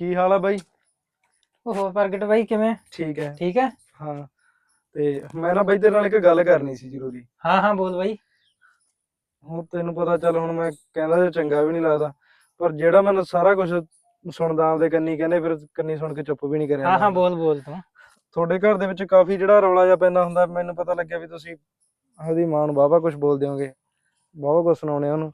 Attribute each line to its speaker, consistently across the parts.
Speaker 1: ਕੀ ਹਾਲ ਆ ਬਾਈ?
Speaker 2: ਉਹ ਹੋਰ ਪ੍ਰਗਟ ਬਾਈ ਕਿਵੇਂ?
Speaker 1: ਠੀਕ ਹੈ।
Speaker 2: ਠੀਕ ਹੈ।
Speaker 1: ਹਾਂ, ਤੇ ਮੈਂ ਨਾ ਬਾਈ ਤੇਰੇ ਨਾਲ ਇੱਕ ਗੱਲ ਕਰਨੀ ਸੀ ਜ਼ਰੂਰੀ।
Speaker 2: ਹਾਂ ਹਾਂ ਬੋਲ ਬਾਈ।
Speaker 1: ਹੁਣ ਤੈਨੂੰ ਪਤਾ, ਚੱਲ ਹੁਣ ਮੈਂ ਕਹਿੰਦਾ ਜੇ ਚੰਗਾ ਵੀ ਨਹੀਂ ਲੱਗਦਾ, ਪਰ ਜਿਹੜਾ ਮੈਨੂੰ ਸਾਰਾ ਕੁਝ ਸੁਣਦਾ ਆਪਦੇ ਕੰਨੀ, ਕਹਿੰਦੇ ਫਿਰ ਕੰਨੀ ਸੁਣ ਕੇ ਚੁੱਪ ਵੀ ਨਹੀਂ ਕਰਿਆ
Speaker 2: ਹਾਂ ਹਾਂ
Speaker 1: ਜਾਂਦਾ।
Speaker 2: ਬੋਲ ਬੋਲ ਤੂੰ।
Speaker 1: ਤੁਹਾਡੇ ਘਰ ਦੇ ਵਿੱਚ ਕਾਫੀ ਜਿਹੜਾ ਰੌਲਾ ਜਿਹਾ ਪੈਂਦਾ ਹੁੰਦਾ, ਮੈਨੂੰ ਪਤਾ ਲੱਗਿਆ ਵੀ ਤੁਸੀਂ ਉਹਦੀ ਮਾਂ ਨੂੰ ਵਾਹਵਾ ਕੁਝ ਬੋਲਦੇ ਹੋਗੇ, ਵਾਹਵਾ ਕੁਝ ਸੁਣਾਉਣੇ ਉਹਨੂੰ।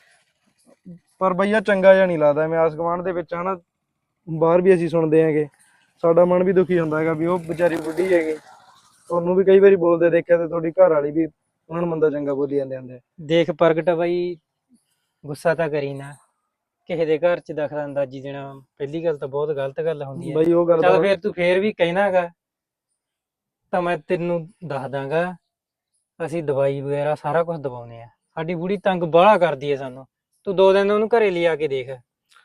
Speaker 1: ਪਰ ਬਈਆ ਚੰਗਾ ਜਿਹਾ ਨਹੀਂ ਲੱਗਦਾ। ਮੈਂ ਆਸ ਗੁਆਂਢ ਦੇ ਵਿੱਚ ਹਨਾ, ਬਾਹਰ ਵੀ ਅਸੀਂ ਸੁਣਦੇ ਹੈਗੇ, ਸਾਡਾ ਮਨ ਵੀ ਦੁਖੀ ਹੁੰਦਾ ਹੈਗਾ ਵੀ ਉਹ ਵਿਚਾਰੀ ਬੁੱਢੀ ਹੈਗੀ। ਤੁਹਾਨੂੰ ਵੀ ਕਈ ਵਾਰੀ ਬੋਲਦੇ ਦੇਖਿਆ, ਤੇ ਤੁਹਾਡੀ ਘਰ ਵਾਲੀ ਵੀ ਉਹਨਾਂ ਨੂੰ ਮੰਦਾ ਚੰਗਾ ਬੋਲੀ ਜਾਂਦੇ ਹੁੰਦੇ।
Speaker 2: ਦੇਖ ਪ੍ਰਗਟ ਬਾਈ, ਗੁੱਸਾ ਤਾਂ ਕਰੀ ਨਾ। ਕਿਸੇ ਦੇ ਘਰ ਚ ਦਖਲ ਅੰਦਾਜ਼ੀ ਦੇਣਾ ਪਹਿਲੀ ਗੱਲ ਤਾਂ ਬਹੁਤ ਗਲਤ ਗੱਲ ਹੁੰਦੀ ਹੈ।
Speaker 1: ਬਈ ਉਹ ਗੱਲ
Speaker 2: ਚੱਲ
Speaker 1: ਤਾਂ
Speaker 2: ਫੇਰ ਤੂੰ ਫੇਰ ਵੀ ਕਹਿਣਾਗਾ ਤਾਂ ਮੈਂ ਤੈਨੂੰ ਦੱਸ ਦਾਂਗਾ। ਅਸੀਂ ਦਵਾਈ ਵਗੈਰਾ ਸਾਰਾ ਕੁਝ ਦਵਾਉਂਦੇ ਆ। ਸਾਡੀ ਬੁੜੀ ਤੰਗ ਬਾਹਲਾ ਕਰਦੀ ਹੈ ਸਾਨੂੰ। ਤੂੰ 2 ਦਿਨ ਉਹਨੂੰ ਘਰੇ ਲਿਆ ਕੇ ਦੇਖ।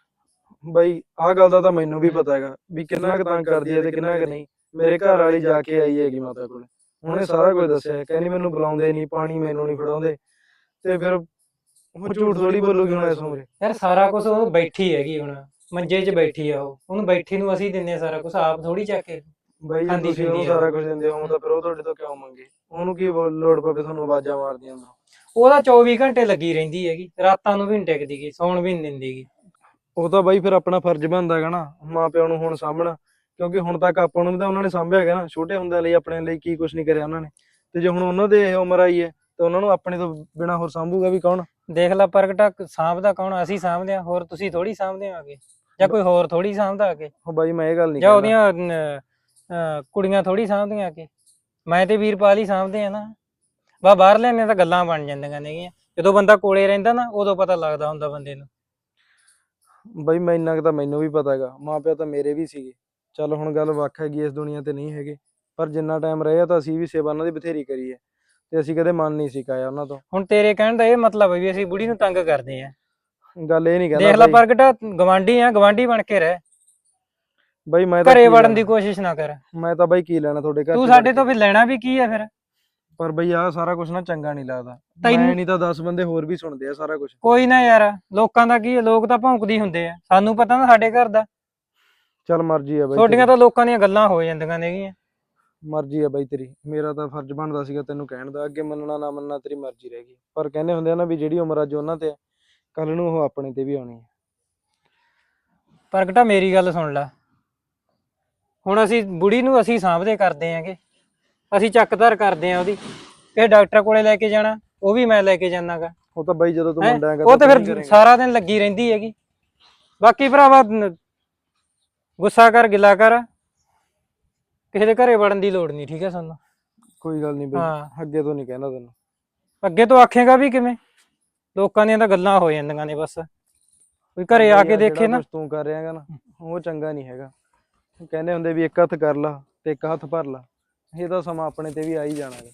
Speaker 1: ਬਈ ਆਹ ਗੱਲ ਦਾ ਤਾਂ ਮੈਨੂੰ ਵੀ ਪਤਾ ਹੈਗਾ ਵੀ ਕਿੰਨਾ ਕੁ ਤੰਗ ਕਰਦੀ ਹੈ ਤੇ ਕਿੰਨਾ ਕੁ ਨਹੀਂ। ਮੇਰੇ ਘਰ ਵਾਲੀ ਜਾ ਕੇ ਆਈ ਹੈਗੀ ਮਾਤਾ ਕੋਲ, ਉਹਨੇ ਸਾਰਾ ਕੁਝ ਦੱਸਿਆ। ਕਹਿੰਦੀ ਮੈਨੂੰ ਬੁਲਾਉਂਦੇ ਨਹੀਂ, ਪਾਣੀ ਮੈਨੂੰ ਨਹੀਂ ਫੜਾਉਂਦੇ, ਤੇ ਫਿਰ ਉਹ ਝੂਠ ਥੋੜੀ ਬੋਲੂਗੀ ਹੁਣ ਇਸ ਉਮਰੇ।
Speaker 2: ਯਾਰ ਸਾਰਾ ਕੁਝ ਉਹ ਬੈਠੀ ਹੈਗੀ, ਹੁਣ ਮੰਜੇ 'ਚ ਬੈਠੀ ਆ। ਉਹਨੂੰ ਬੈਠੀ ਨੂੰ ਅਸੀਂ ਦਿੰਦੇ ਆ ਸਾਰਾ ਕੁਝ, ਆਪ ਥੋੜੀ ਚੱਕ ਕੇ
Speaker 1: ਬਈ ਜੇ
Speaker 2: ਖਾਂਦੀ
Speaker 1: ਤੁਸੀਂ ਉਹਨੂੰ
Speaker 2: ਪੀਂਦੀ ਆ।
Speaker 1: ਸਾਰਾ ਕੁਝ ਦਿੰਦੇ ਹੋ ਤਾਂ ਫਿਰ ਉਹ ਤੁਹਾਡੇ ਤੋਂ ਕਿਉਂ ਮੰਗੇ? ਉਹਨੂੰ ਕੀ ਲੋੜ ਪਵੇ ਤੁਹਾਨੂੰ ਆਵਾਜ਼ਾਂ ਮਾਰਦੀਆਂ ਹੁੰਦਾ?
Speaker 2: ਉਹਦਾ 24 ਘੰਟੇ ਲੱਗੀ ਰਹਿੰਦੀ ਹੈਗੀ, ਰਾਤਾਂ ਨੂੰ ਵੀ ਨਹੀਂ ਟਿਕਦੀ ਗੀ, ਸੌਣ ਵੀ ਨਹੀਂ ਦਿੰਦੀ ਗੀ।
Speaker 1: ਉਹ ਤਾਂ ਬਾਈ ਫਿਰ ਆਪਣਾ ਫਰਜ਼ ਬਣਦਾ ਹੈਗਾ ਨਾ ਮਾਂ ਪਿਓ ਨੂੰ ਹੁਣ ਸਾਂਭਣਾ, ਕਿਉਂਕਿ ਹੁਣ ਤੱਕ ਆਪਾਂ ਨੂੰ ਵੀ ਤਾਂ ਉਹਨਾਂ ਨੇ ਸਾਂਭਿਆ ਹੈਗਾ ਨਾ। ਛੋਟੇ ਹੁੰਦਿਆਂ ਲਈ ਆਪਣੇ ਲਈ ਕੀ ਕੁਝ ਨਹੀਂ ਕਰਿਆ ਉਹਨਾਂ ਨੇ, ਤੇ ਜੇ ਹੁਣ ਉਹਨਾਂ ਦੇ ਇਹ ਉਮਰ ਆਈ ਹੈ ਤੇ ਉਹਨਾਂ ਨੂੰ ਆਪਣੇ ਤੋਂ ਬਿਨਾਂ ਹੋਰ ਸਾਂਭੂਗਾ ਵੀ ਕੌਣ?
Speaker 2: ਦੇਖ ਲੈ ਪ੍ਰਗਟਾ, ਸਾਂਭਦਾ ਕੌਣ? ਅਸੀਂ ਸਾਂਭਦੇ ਆ, ਹੋਰ ਤੁਸੀਂ ਥੋੜੀ ਸਾਂਭਦੇ ਆਗੇ, ਜਾਂ ਕੋਈ ਹੋਰ ਥੋੜੀ ਸਾਂਭਦਾ ਆਗੇ,
Speaker 1: ਉਹ ਬਾਈ ਮੈਂ ਇਹ ਗੱਲ ਨਹੀਂ
Speaker 2: ਜਾਂ
Speaker 1: ਕਹਿੰਦਾ।
Speaker 2: ਉਹਦੀਆਂ ਕੁੜੀਆਂ ਥੋੜੀ ਸਾਂਭਦੀਆਂ ਆਗੇ। ਮੈਂ ਤੇ ਵੀਰਪਾਲ ਹੀ ਸਾਂਭਦੇ ਆ ਨਾ। ਬਾ ਬਾਹਰ ਲੈਣੇ ਤਾਂ ਗੱਲਾਂ ਬਣ ਜਾਂਦੀਆਂ ਨੇਗੀਆਂ, ਜਦੋਂ ਬੰਦਾ ਕੋਲੇ ਰਹਿੰਦਾ ਨਾ ਉਦੋਂ ਪਤਾ ਲੱਗਦਾ ਹੁੰਦਾ ਬੰਦੇ ਨੂੰ।
Speaker 1: ਬਾਈ ਮੈਂ ਇੰਨਾ ਕੁ ਤਾਂ ਮੈਨੂੰ ਵੀ ਪਤਾ ਹੈਗਾ, ਮਾਂ ਪਿਓ ਤਾਂ ਮੇਰੇ ਵੀ ਸੀਗੇ। ਚੱਲ ਹੁਣ ਗੱਲ ਵੱਖ ਹੈਗੀ, ਇਸ ਦੁਨੀਆ ਤੇ ਨਹੀਂ ਹੈਗੇ, ਪਰ ਜਿੰਨਾ ਟਾਈਮ ਰਹੇ ਤਾਂ ਅਸੀਂ ਵੀ ਸੇਵਾ ਉਹਨਾਂ ਦੀ ਬਥੇਰੀ ਕਰੀ ਹੈ, ਤੇ ਅਸੀਂ ਕਦੇ ਮਨ ਨਹੀਂ ਸਿਕਾਇਆ ਉਹਨਾਂ ਤੋਂ।
Speaker 2: ਹੁਣ ਤੇਰੇ ਕਹਿਣ ਦਾ ਇਹ ਮਤਲਬ ਹੈ ਵੀ ਅਸੀਂ ਬੁੜੀ ਨੂੰ ਤੰਗ ਕਰਦੇ ਆ?
Speaker 1: ਗੱਲ ਇਹ ਨਹੀਂ ਕਹਿੰਦਾ
Speaker 2: ਦੇਖ ਲੈ
Speaker 1: ਬਾਈ।
Speaker 2: ਪ੍ਰਗਟਾ, ਗਵਾਂਢੀ ਆ, ਗਵਾਂਢੀ ਬਣ ਕੇ ਰਹਿ।
Speaker 1: ਬਾਈ ਮੈਂ ਤਾਂ
Speaker 2: ਘਰੇ
Speaker 1: ਕੀ
Speaker 2: ਵੜਨ ਦੀ
Speaker 1: ਲੈਣਾ,
Speaker 2: ਕੋਸ਼ਿਸ਼ ਨਾ ਕਰ।
Speaker 1: ਮੈਂ ਤਾਂ ਬਾਈ ਕੀ ਲੈਣਾ ਤੁਹਾਡੇ ਘਰ
Speaker 2: ਤੂੰ
Speaker 1: ਚ ਵੜ
Speaker 2: ਸਾਡੇ
Speaker 1: ਕੇ?
Speaker 2: ਤੋਂ ਫਿਰ ਲੈਣਾ ਵੀ ਕੀ ਆ ਫਿਰ?
Speaker 1: ਪਰ ਬਈ ਆਹ ਸਾਰਾ ਕੁਝ ਨਾ ਚੰਗਾ ਨਹੀਂ ਲੱਗਦਾ।
Speaker 2: ਤੈਨੂੰ
Speaker 1: ਮੈਂ ਨਹੀਂ ਤਾਂ 10 ਬੰਦੇ ਹੋਰ ਵੀ ਸੁਣਦੇ ਆ ਸਾਰਾ ਕੁਝ।
Speaker 2: ਕੋਈ ਨਾ ਯਾਰ, ਲੋਕਾਂ ਦਾ ਕੀ ਹੈ, ਲੋਕ ਤਾਂ ਭੌਂਕਦੇ ਹੁੰਦੇ ਆ, ਸਾਨੂੰ ਪਤਾ ਨਾ ਸਾਡੇ ਘਰ ਦਾ।
Speaker 1: ਚੱਲ ਮਰਜ਼ੀ ਆ ਬਾਈ
Speaker 2: ਛੋਟੀਆਂ
Speaker 1: ਤੇਰੀ,
Speaker 2: ਤਾਂ ਲੋਕਾਂ ਦੀਆਂ ਗੱਲਾਂ ਹੋ ਜਾਂਦੀਆਂ ਨੇਗੀਆਂ।
Speaker 1: ਮਰਜ਼ੀ ਆ ਬਾਈ ਤੇਰੀ। ਮੇਰਾ ਤਾਂ ਫਰਜ਼ ਬਣਦਾ ਸੀਗਾ ਤੈਨੂੰ ਕਹਿਣ ਦਾ, ਅੱਗੇ ਮੰਨਣਾ ਨਾ ਮੰਨਣਾ ਤੇਰੀ ਮਰਜ਼ੀ ਰਹਿ ਗਈ। ਪਰ ਕਹਿੰਦੇ ਹੁੰਦੇ ਆ ਨਾ ਵੀ ਜਿਹੜੀ ਉਮਰ ਅੱਜ ਉਹਨਾਂ ਤੇ ਕੱਲ ਨੂੰ ਉਹ ਆਪਣੇ ਤੇ ਵੀ ਆਉਣੀ ਹੈ।
Speaker 2: ਪ੍ਰਗਟਾ ਮੇਰੀ ਗੱਲ ਸੁਣ ਲੈ, ਹੁਣ ਅਸੀਂ ਬੁੜੀ ਨੂੰ ਅਸੀਂ ਸਾਂਭਦੇ ਕਰਦੇ ਆਂਗੇ, ਅਸੀਂ ਚੱਕ ਧਰ ਕਰਦੇ ਆਂ ਉਹਦੀ। ਕਿਸੇ ਡਾਕਟਰ ਕੋਲੇ ਲੈ ਕੇ ਜਾਣਾ, ਉਹ ਵੀ ਮੈਂ ਲੈ ਕੇ ਜਾਣਾਗਾ।
Speaker 1: ਉਹ ਤਾਂ ਬਾਈ ਜਦੋਂ ਤੂੰ
Speaker 2: ਹੈ
Speaker 1: ਮੁੰਡਾ ਹੈਗਾ
Speaker 2: ਉਹ
Speaker 1: ਤਾਂ
Speaker 2: ਤੇ
Speaker 1: ਤੂੰ ਹੀ
Speaker 2: ਫਿਰ
Speaker 1: ਕਰੇਂਗਾ।
Speaker 2: ਸਾਰਾ ਦਿਨ ਲੱਗੀ ਰਹਿੰਦੀ ਹੈਗੀ। ਬਾਕੀ ਭਰਾਵਾ, ਗੁੱਸਾ ਕਰ, ਗਿਲਾ ਕਰ, ਕਿਸੇ ਦੇ ਘਰੇ ਵੜਨ ਦੀ ਲੋੜ ਨਹੀਂ, ਠੀਕ ਹੈ ਸਾਨੂੰ।
Speaker 1: ਕੋਈ ਗੱਲ ਨਹੀਂ ਬਾਈ,
Speaker 2: ਹਾਂ,
Speaker 1: ਅੱਗੇ ਤੋਂ ਨਹੀਂ ਕਹਿਣਾ ਤੈਨੂੰ।
Speaker 2: ਅੱਗੇ ਤੋਂ ਆਖੇਗਾ ਵੀ ਕਿਵੇਂ? ਲੋਕਾਂ ਦੀਆਂ ਤਾਂ ਗੱਲਾਂ ਹੋ ਜਾਂਦੀਆਂ ਨੇ ਬਸ, ਕੋਈ ਘਰੇ ਆ
Speaker 1: ਬਾਈ
Speaker 2: ਕੇ
Speaker 1: ਆਹ
Speaker 2: ਦੇਖੇ
Speaker 1: ਜਿਹੜਾ
Speaker 2: ਨਾ।
Speaker 1: ਕੁਝ ਤੂੰ ਕਰ ਰਿਹਾ ਹੈਗਾ ਨਾ, ਉਹ ਚੰਗਾ ਨਹੀਂ ਹੈਗਾ। ਕਹਿੰਦੇ ਹੁੰਦੇ ਵੀ ਇੱਕ ਹੱਥ ਕਰ ਲਾ ਤੇ ਇੱਕ ਹੱਥ ਭਰ ਲਾ, ਇਹ ਤਾਂ ਸਮਾਂ ਆਪਣੇ ਤੇ ਵੀ ਆ ਹੀ ਜਾਣਾ ਹੈ।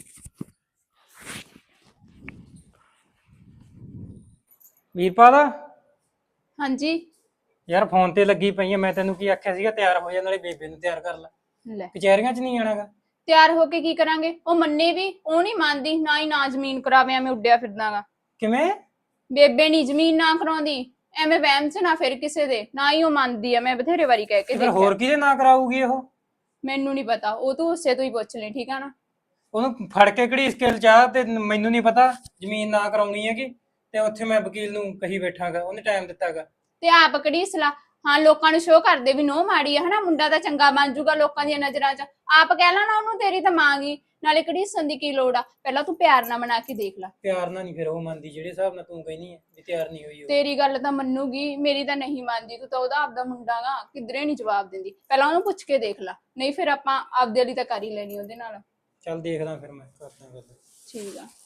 Speaker 2: ਵੀਰਪਾਲ,
Speaker 3: ਹਾਂਜੀ।
Speaker 2: ਯਾਰ ਫੋਨ ਤੇ ਲੱਗੀ ਪਈ ਆ, ਮੈਂ ਤੈਨੂੰ ਕੀ ਆਖਿਆ ਸੀਗਾ, ਤਿਆਰ ਹੋ ਜਾ, ਨਾਲੇ ਬੇਬੇ ਨੂੰ ਤਿਆਰ ਕਰ ਲੈ।
Speaker 3: ਲੈ,
Speaker 2: ਕਚਹਿਰੀਆਂ 'ਚ ਨਹੀਂ ਜਾਣਾਗਾ।
Speaker 3: ਤਿਆਰ ਹੋ ਕੇ ਕੀ ਕਰਾਂਗੇ? ਉਹ ਮੰਨੇ ਵੀ, ਉਹ ਨਹੀਂ ਮੰਨਦੀ, ਨਾ ਹੀ ਨਾ ਜ਼ਮੀਨ ਕਰਾਵੇ, ਐਵੇਂ ਉੱਡਿਆ ਫਿਰਦਾਗਾ।
Speaker 2: ਕਿਵੇਂ?
Speaker 3: ਬੇਬੇ ਨਹੀਂ ਜ਼ਮੀਨ ਨਾ ਕਰਾਉਂਦੀ, ਐਵੇਂ ਵਹਿਮ ਚ ਨਾ ਫਿਰ ਕਿਸੇ ਦੇ, ਨਾ ਹੀ ਉਹ ਮੰਨਦੀ ਆ। ਮੈਂ ਬਥੇਰੇ ਵਾਰੀ ਕਹਿ ਕੇ
Speaker 2: ਤੇ ਫਿਰ
Speaker 3: ਦੇਖਿਆ।
Speaker 2: ਹੋਰ ਕਿਹਦੇ ਨਾਂ ਕਰਾਊਗੀ ਉਹ?
Speaker 3: ਮੈਨੂੰ ਨਹੀਂ ਪਤਾ, ਉਹ ਤੂੰ ਉਸੇ ਤੋਂ ਹੀ ਪੁੱਛ ਲਈ, ਠੀਕ ਆ ਨਾ।
Speaker 2: ਉਹਨੂੰ ਫੜ ਕੇ ਕਿਹੜੀ ਸਕੇਲ ਚਾਹ, ਤੇ ਮੈਨੂੰ ਨਹੀਂ ਪਤਾ ਜ਼ਮੀਨ ਨਾ ਕਰਾਉਣੀ ਹੈਗੀ, ਤੇ ਉੱਥੇ ਮੈਂ ਵਕੀਲ ਨੂੰ ਕਹੀ ਬੈਠਾਗਾ, ਉਹਨੇ ਟਾਈਮ ਦਿੱਤਾਗਾ।
Speaker 3: ਤੇ ਆਪ ਕਿਹੜੀ ਸਲਾਹ? ਹਾਂ, ਲੋਕਾਂ ਨੂੰ ਸ਼ੋਅ ਕਰਦੇ ਵੀ ਨੋ ਮਾੜੀ ਆ, ਹਨਾ, ਮੁੰਡਾ ਤਾਂ ਚੰਗਾ ਬਣ ਜਾਊਗਾ ਲੋਕਾਂ ਦੀਆਂ ਨਜ਼ਰਾਂ 'ਚ। ਆਪ ਕਹਿ ਲਾ ਨਾ ਉਹਨੂੰ, ਤੇਰੀ ਤਾਂ ਮਾਂ ਗਈ, ਨਾਲੇ ਘੜੀਸਣ ਦੀ ਕੀ ਲੋੜ ਆ? ਪਹਿਲਾਂ ਤੂੰ ਪਿਆਰ ਨਾਲ ਮਨਾ ਕੇ ਦੇਖ ਲੈ।
Speaker 2: ਪਿਆਰ ਨਾਲ ਨਹੀਂ ਫਿਰ ਉਹ ਮੰਨਦੀ, ਜਿਹੜੇ ਹਿਸਾਬ ਨਾਲ ਤੂੰ ਕਹਿੰਦੀ ਹੈ ਵੀ ਤਿਆਰ ਨਹੀਂ ਹੋਈ ਉਹ।
Speaker 3: ਤੇਰੀ ਗੱਲ ਤਾਂ ਮੰਨੂਗੀ, ਮੇਰੀ ਤਾਂ ਨਹੀਂ ਮੰਨਦੀ। ਤੂੰ ਤਾਂ ਉਹਦਾ ਆਪਦਾ ਮੁੰਡਾ ਗਾ, ਕਿਧਰੇ ਨਹੀਂ ਜਵਾਬ ਦਿੰਦੀ। ਪਹਿਲਾਂ ਉਹਨੂੰ ਪੁੱਛ ਕੇ ਦੇਖ ਲੈ, ਨਹੀਂ ਫਿਰ ਆਪਾਂ ਆਪਦੇ ਲਈ ਤਾਂ ਕਰ ਹੀ ਲੈਣੀ ਉਹਦੇ ਨਾਲ।
Speaker 2: ਚੱਲ ਦੇਖਦਾ, ਫਿਰ ਮੈਂ ਕਰਦਾ ਗੱਲ।
Speaker 3: ਠੀਕ ਆ।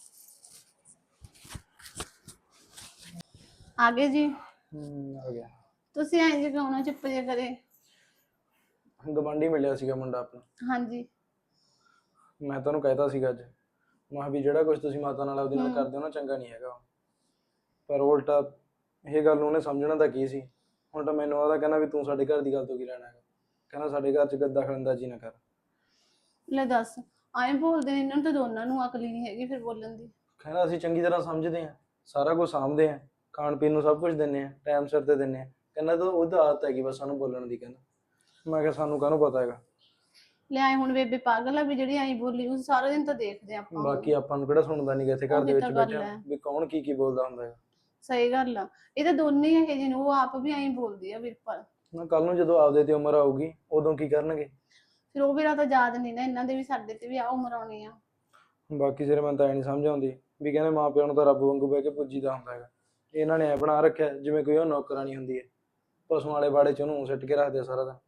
Speaker 3: ਆਗੇ ਜੀ
Speaker 1: ਆ ਗਿਆ।
Speaker 3: ਤੁਸੀਂ ਐਂ ਜੇ ਕਿਉਂ ਨਾ ਚੁੱਪ ਜੇ ਕਰੇ?
Speaker 1: ਗਵਾਂਢੀ ਮਿਲਿਆ ਸੀਗਾ ਮੁੰਡਾ ਆਪਣਾ।
Speaker 3: ਹਾਂਜੀ।
Speaker 1: ਮੈਂ ਤੁਹਾਨੂੰ ਕਹਿਤਾ ਸੀਗਾ ਅੱਜ, ਮੈਂ ਕਿਹਾ ਵੀ ਜਿਹੜਾ ਕੁਝ ਤੁਸੀਂ ਮਾਤਾ ਨਾਲ ਉਹਦੇ ਨਾਲ ਕਰਦੇ ਹੋ ਨਾ, ਚੰਗਾ ਨਹੀਂ ਹੈਗਾ। ਪਰ ਉਲਟਾ ਇਹ ਗੱਲ ਨੂੰ ਉਹਨੇ ਸਮਝਣਾ ਤਾਂ ਕੀ ਸੀ। ਹੁਣ ਤਾਂ ਮੈਨੂੰ ਉਹਦਾ ਕਹਿੰਦਾ ਵੀ ਤੂੰ ਸਾਡੇ ਘਰ ਦੀ ਗੱਲ ਤੋਂ ਕੀ ਲੈਣਾ ਹੈਗਾ, ਕਹਿੰਦਾ ਸਾਡੇ ਘਰ 'ਚ ਦਖਲਅੰਦਾਜ਼ੀ ਨਾ ਕਰ।
Speaker 3: ਲੈ ਦੱਸ, ਐਂ ਬੋਲਦੇ ਨੇ, ਇਹਨਾਂ ਨੂੰ ਤਾਂ ਦੋਨਾਂ ਨੂੰ ਅਕਲ ਹੀ ਨਹੀਂ ਹੈਗੀ ਫਿਰ ਬੋਲਣ ਦੀ।
Speaker 1: ਕਹਿੰਦਾ ਅਸੀਂ ਚੰਗੀ ਤਰ੍ਹਾਂ ਸਮਝਦੇ ਹਾਂ, ਸਾਰਾ ਕੁਝ ਸਾਂਭਦੇ ਹਾਂ, ਖਾਣ ਪੀਣ ਨੂੰ ਸਭ ਕੁਝ ਦਿੰਦੇ ਹਾਂ, ਟਾਈਮ ਸਿਰ ਤੇ ਦਿੰਦੇ ਹਾਂ। ਕਹਿੰਦਾ ਤਾਂ ਉਹਦਾ ਆਦਤ ਹੈਗੀ ਬਸ ਸਾਨੂੰ ਬੋਲਣ ਦੀ। ਕਹਿੰਦਾ ਮੈਂ ਕਿਹਾ ਸਾਨੂੰ ਕਾਹਨੂੰ ਪਤਾ ਹੈਗਾ।
Speaker 3: ਲਿਆਏ ਹੁਣ ਬੇਬੇ ਪਾਗਲ ਆ ਵੀ ਜਿਹੜੀ ਐਂ ਬੋਲੀ, ਉਹ ਸਾਰਾ ਦਿਨ ਤਾਂ ਦੇਖਦੇ ਆਪਾਂ।
Speaker 1: ਬਾਕੀ ਆਪਾਂ ਨੂੰ ਕਿਹੜਾ ਸੁਣਦਾ ਨਹੀਂ ਇੱਥੇ ਘਰ ਦੇ ਵਿੱਚ ਬੈਠਾ ਵੀ ਕੌਣ ਕੀ ਕੀ ਬੋਲਦਾ ਹੁੰਦਾ ਹੈ।
Speaker 3: ਸਹੀ ਗੱਲ ਆ, ਇਹ ਤਾਂ ਦੋਨੇ ਇਹ ਜਿਹੇ ਨੇ, ਉਹ ਆਪ ਵੀ ਐਂ ਬੋਲਦੀ ਆ ਵੀਰਪਾਲ।
Speaker 1: ਨਾ ਕੱਲ ਨੂੰ ਜਦੋਂ ਆਪਦੇ ਤੇ ਉਮਰ ਆਊਗੀ ਉਦੋਂ ਕੀ ਕਰਨਗੇ?
Speaker 3: ਫਿਰ ਉਹ ਵੀਰਾ ਤਾਂ ਯਾਦ ਨਹੀਂ ਨਾ ਇਹਨਾਂ ਦੇ ਵੀ ਸਾਡੇ ਤੇ ਵੀ ਆ ਉਮਰ ਆਉਣੀ ਆ।
Speaker 1: ਬਾਕੀ ਸਿਰ ਮੈਨੂੰ ਤਾਂ ਐ ਨਹੀਂ ਸਮਝ ਆਉਂਦੀ ਵੀ ਕਹਿੰਦੇ ਮਾਂ ਪਿਓ ਨੂੰ ਤਾਂ ਰੱਬ ਵਾਂਗੂ ਬਹਿ ਕੇ ਪੁੱਜੀਦਾ ਹੁੰਦਾ ਹੈਗਾ। ਇਹਨਾਂ ਨੇ ਐ ਬਣਾ ਰੱਖਿਆ ਜਿਵੇਂ ਕੋਈ ਉਹ ਨੌਕਰਾਨੀ ਹੁੰਦੀ ਹੈ, ਪਸ਼ੂਆਂ ਵਾਲੇ ਬਾੜੇ ਚ ਉਹਨੂੰ ਸਿੱਟ ਕੇ ਰੱਖਦੇ ਸਾਰਾ ਦਿਨ।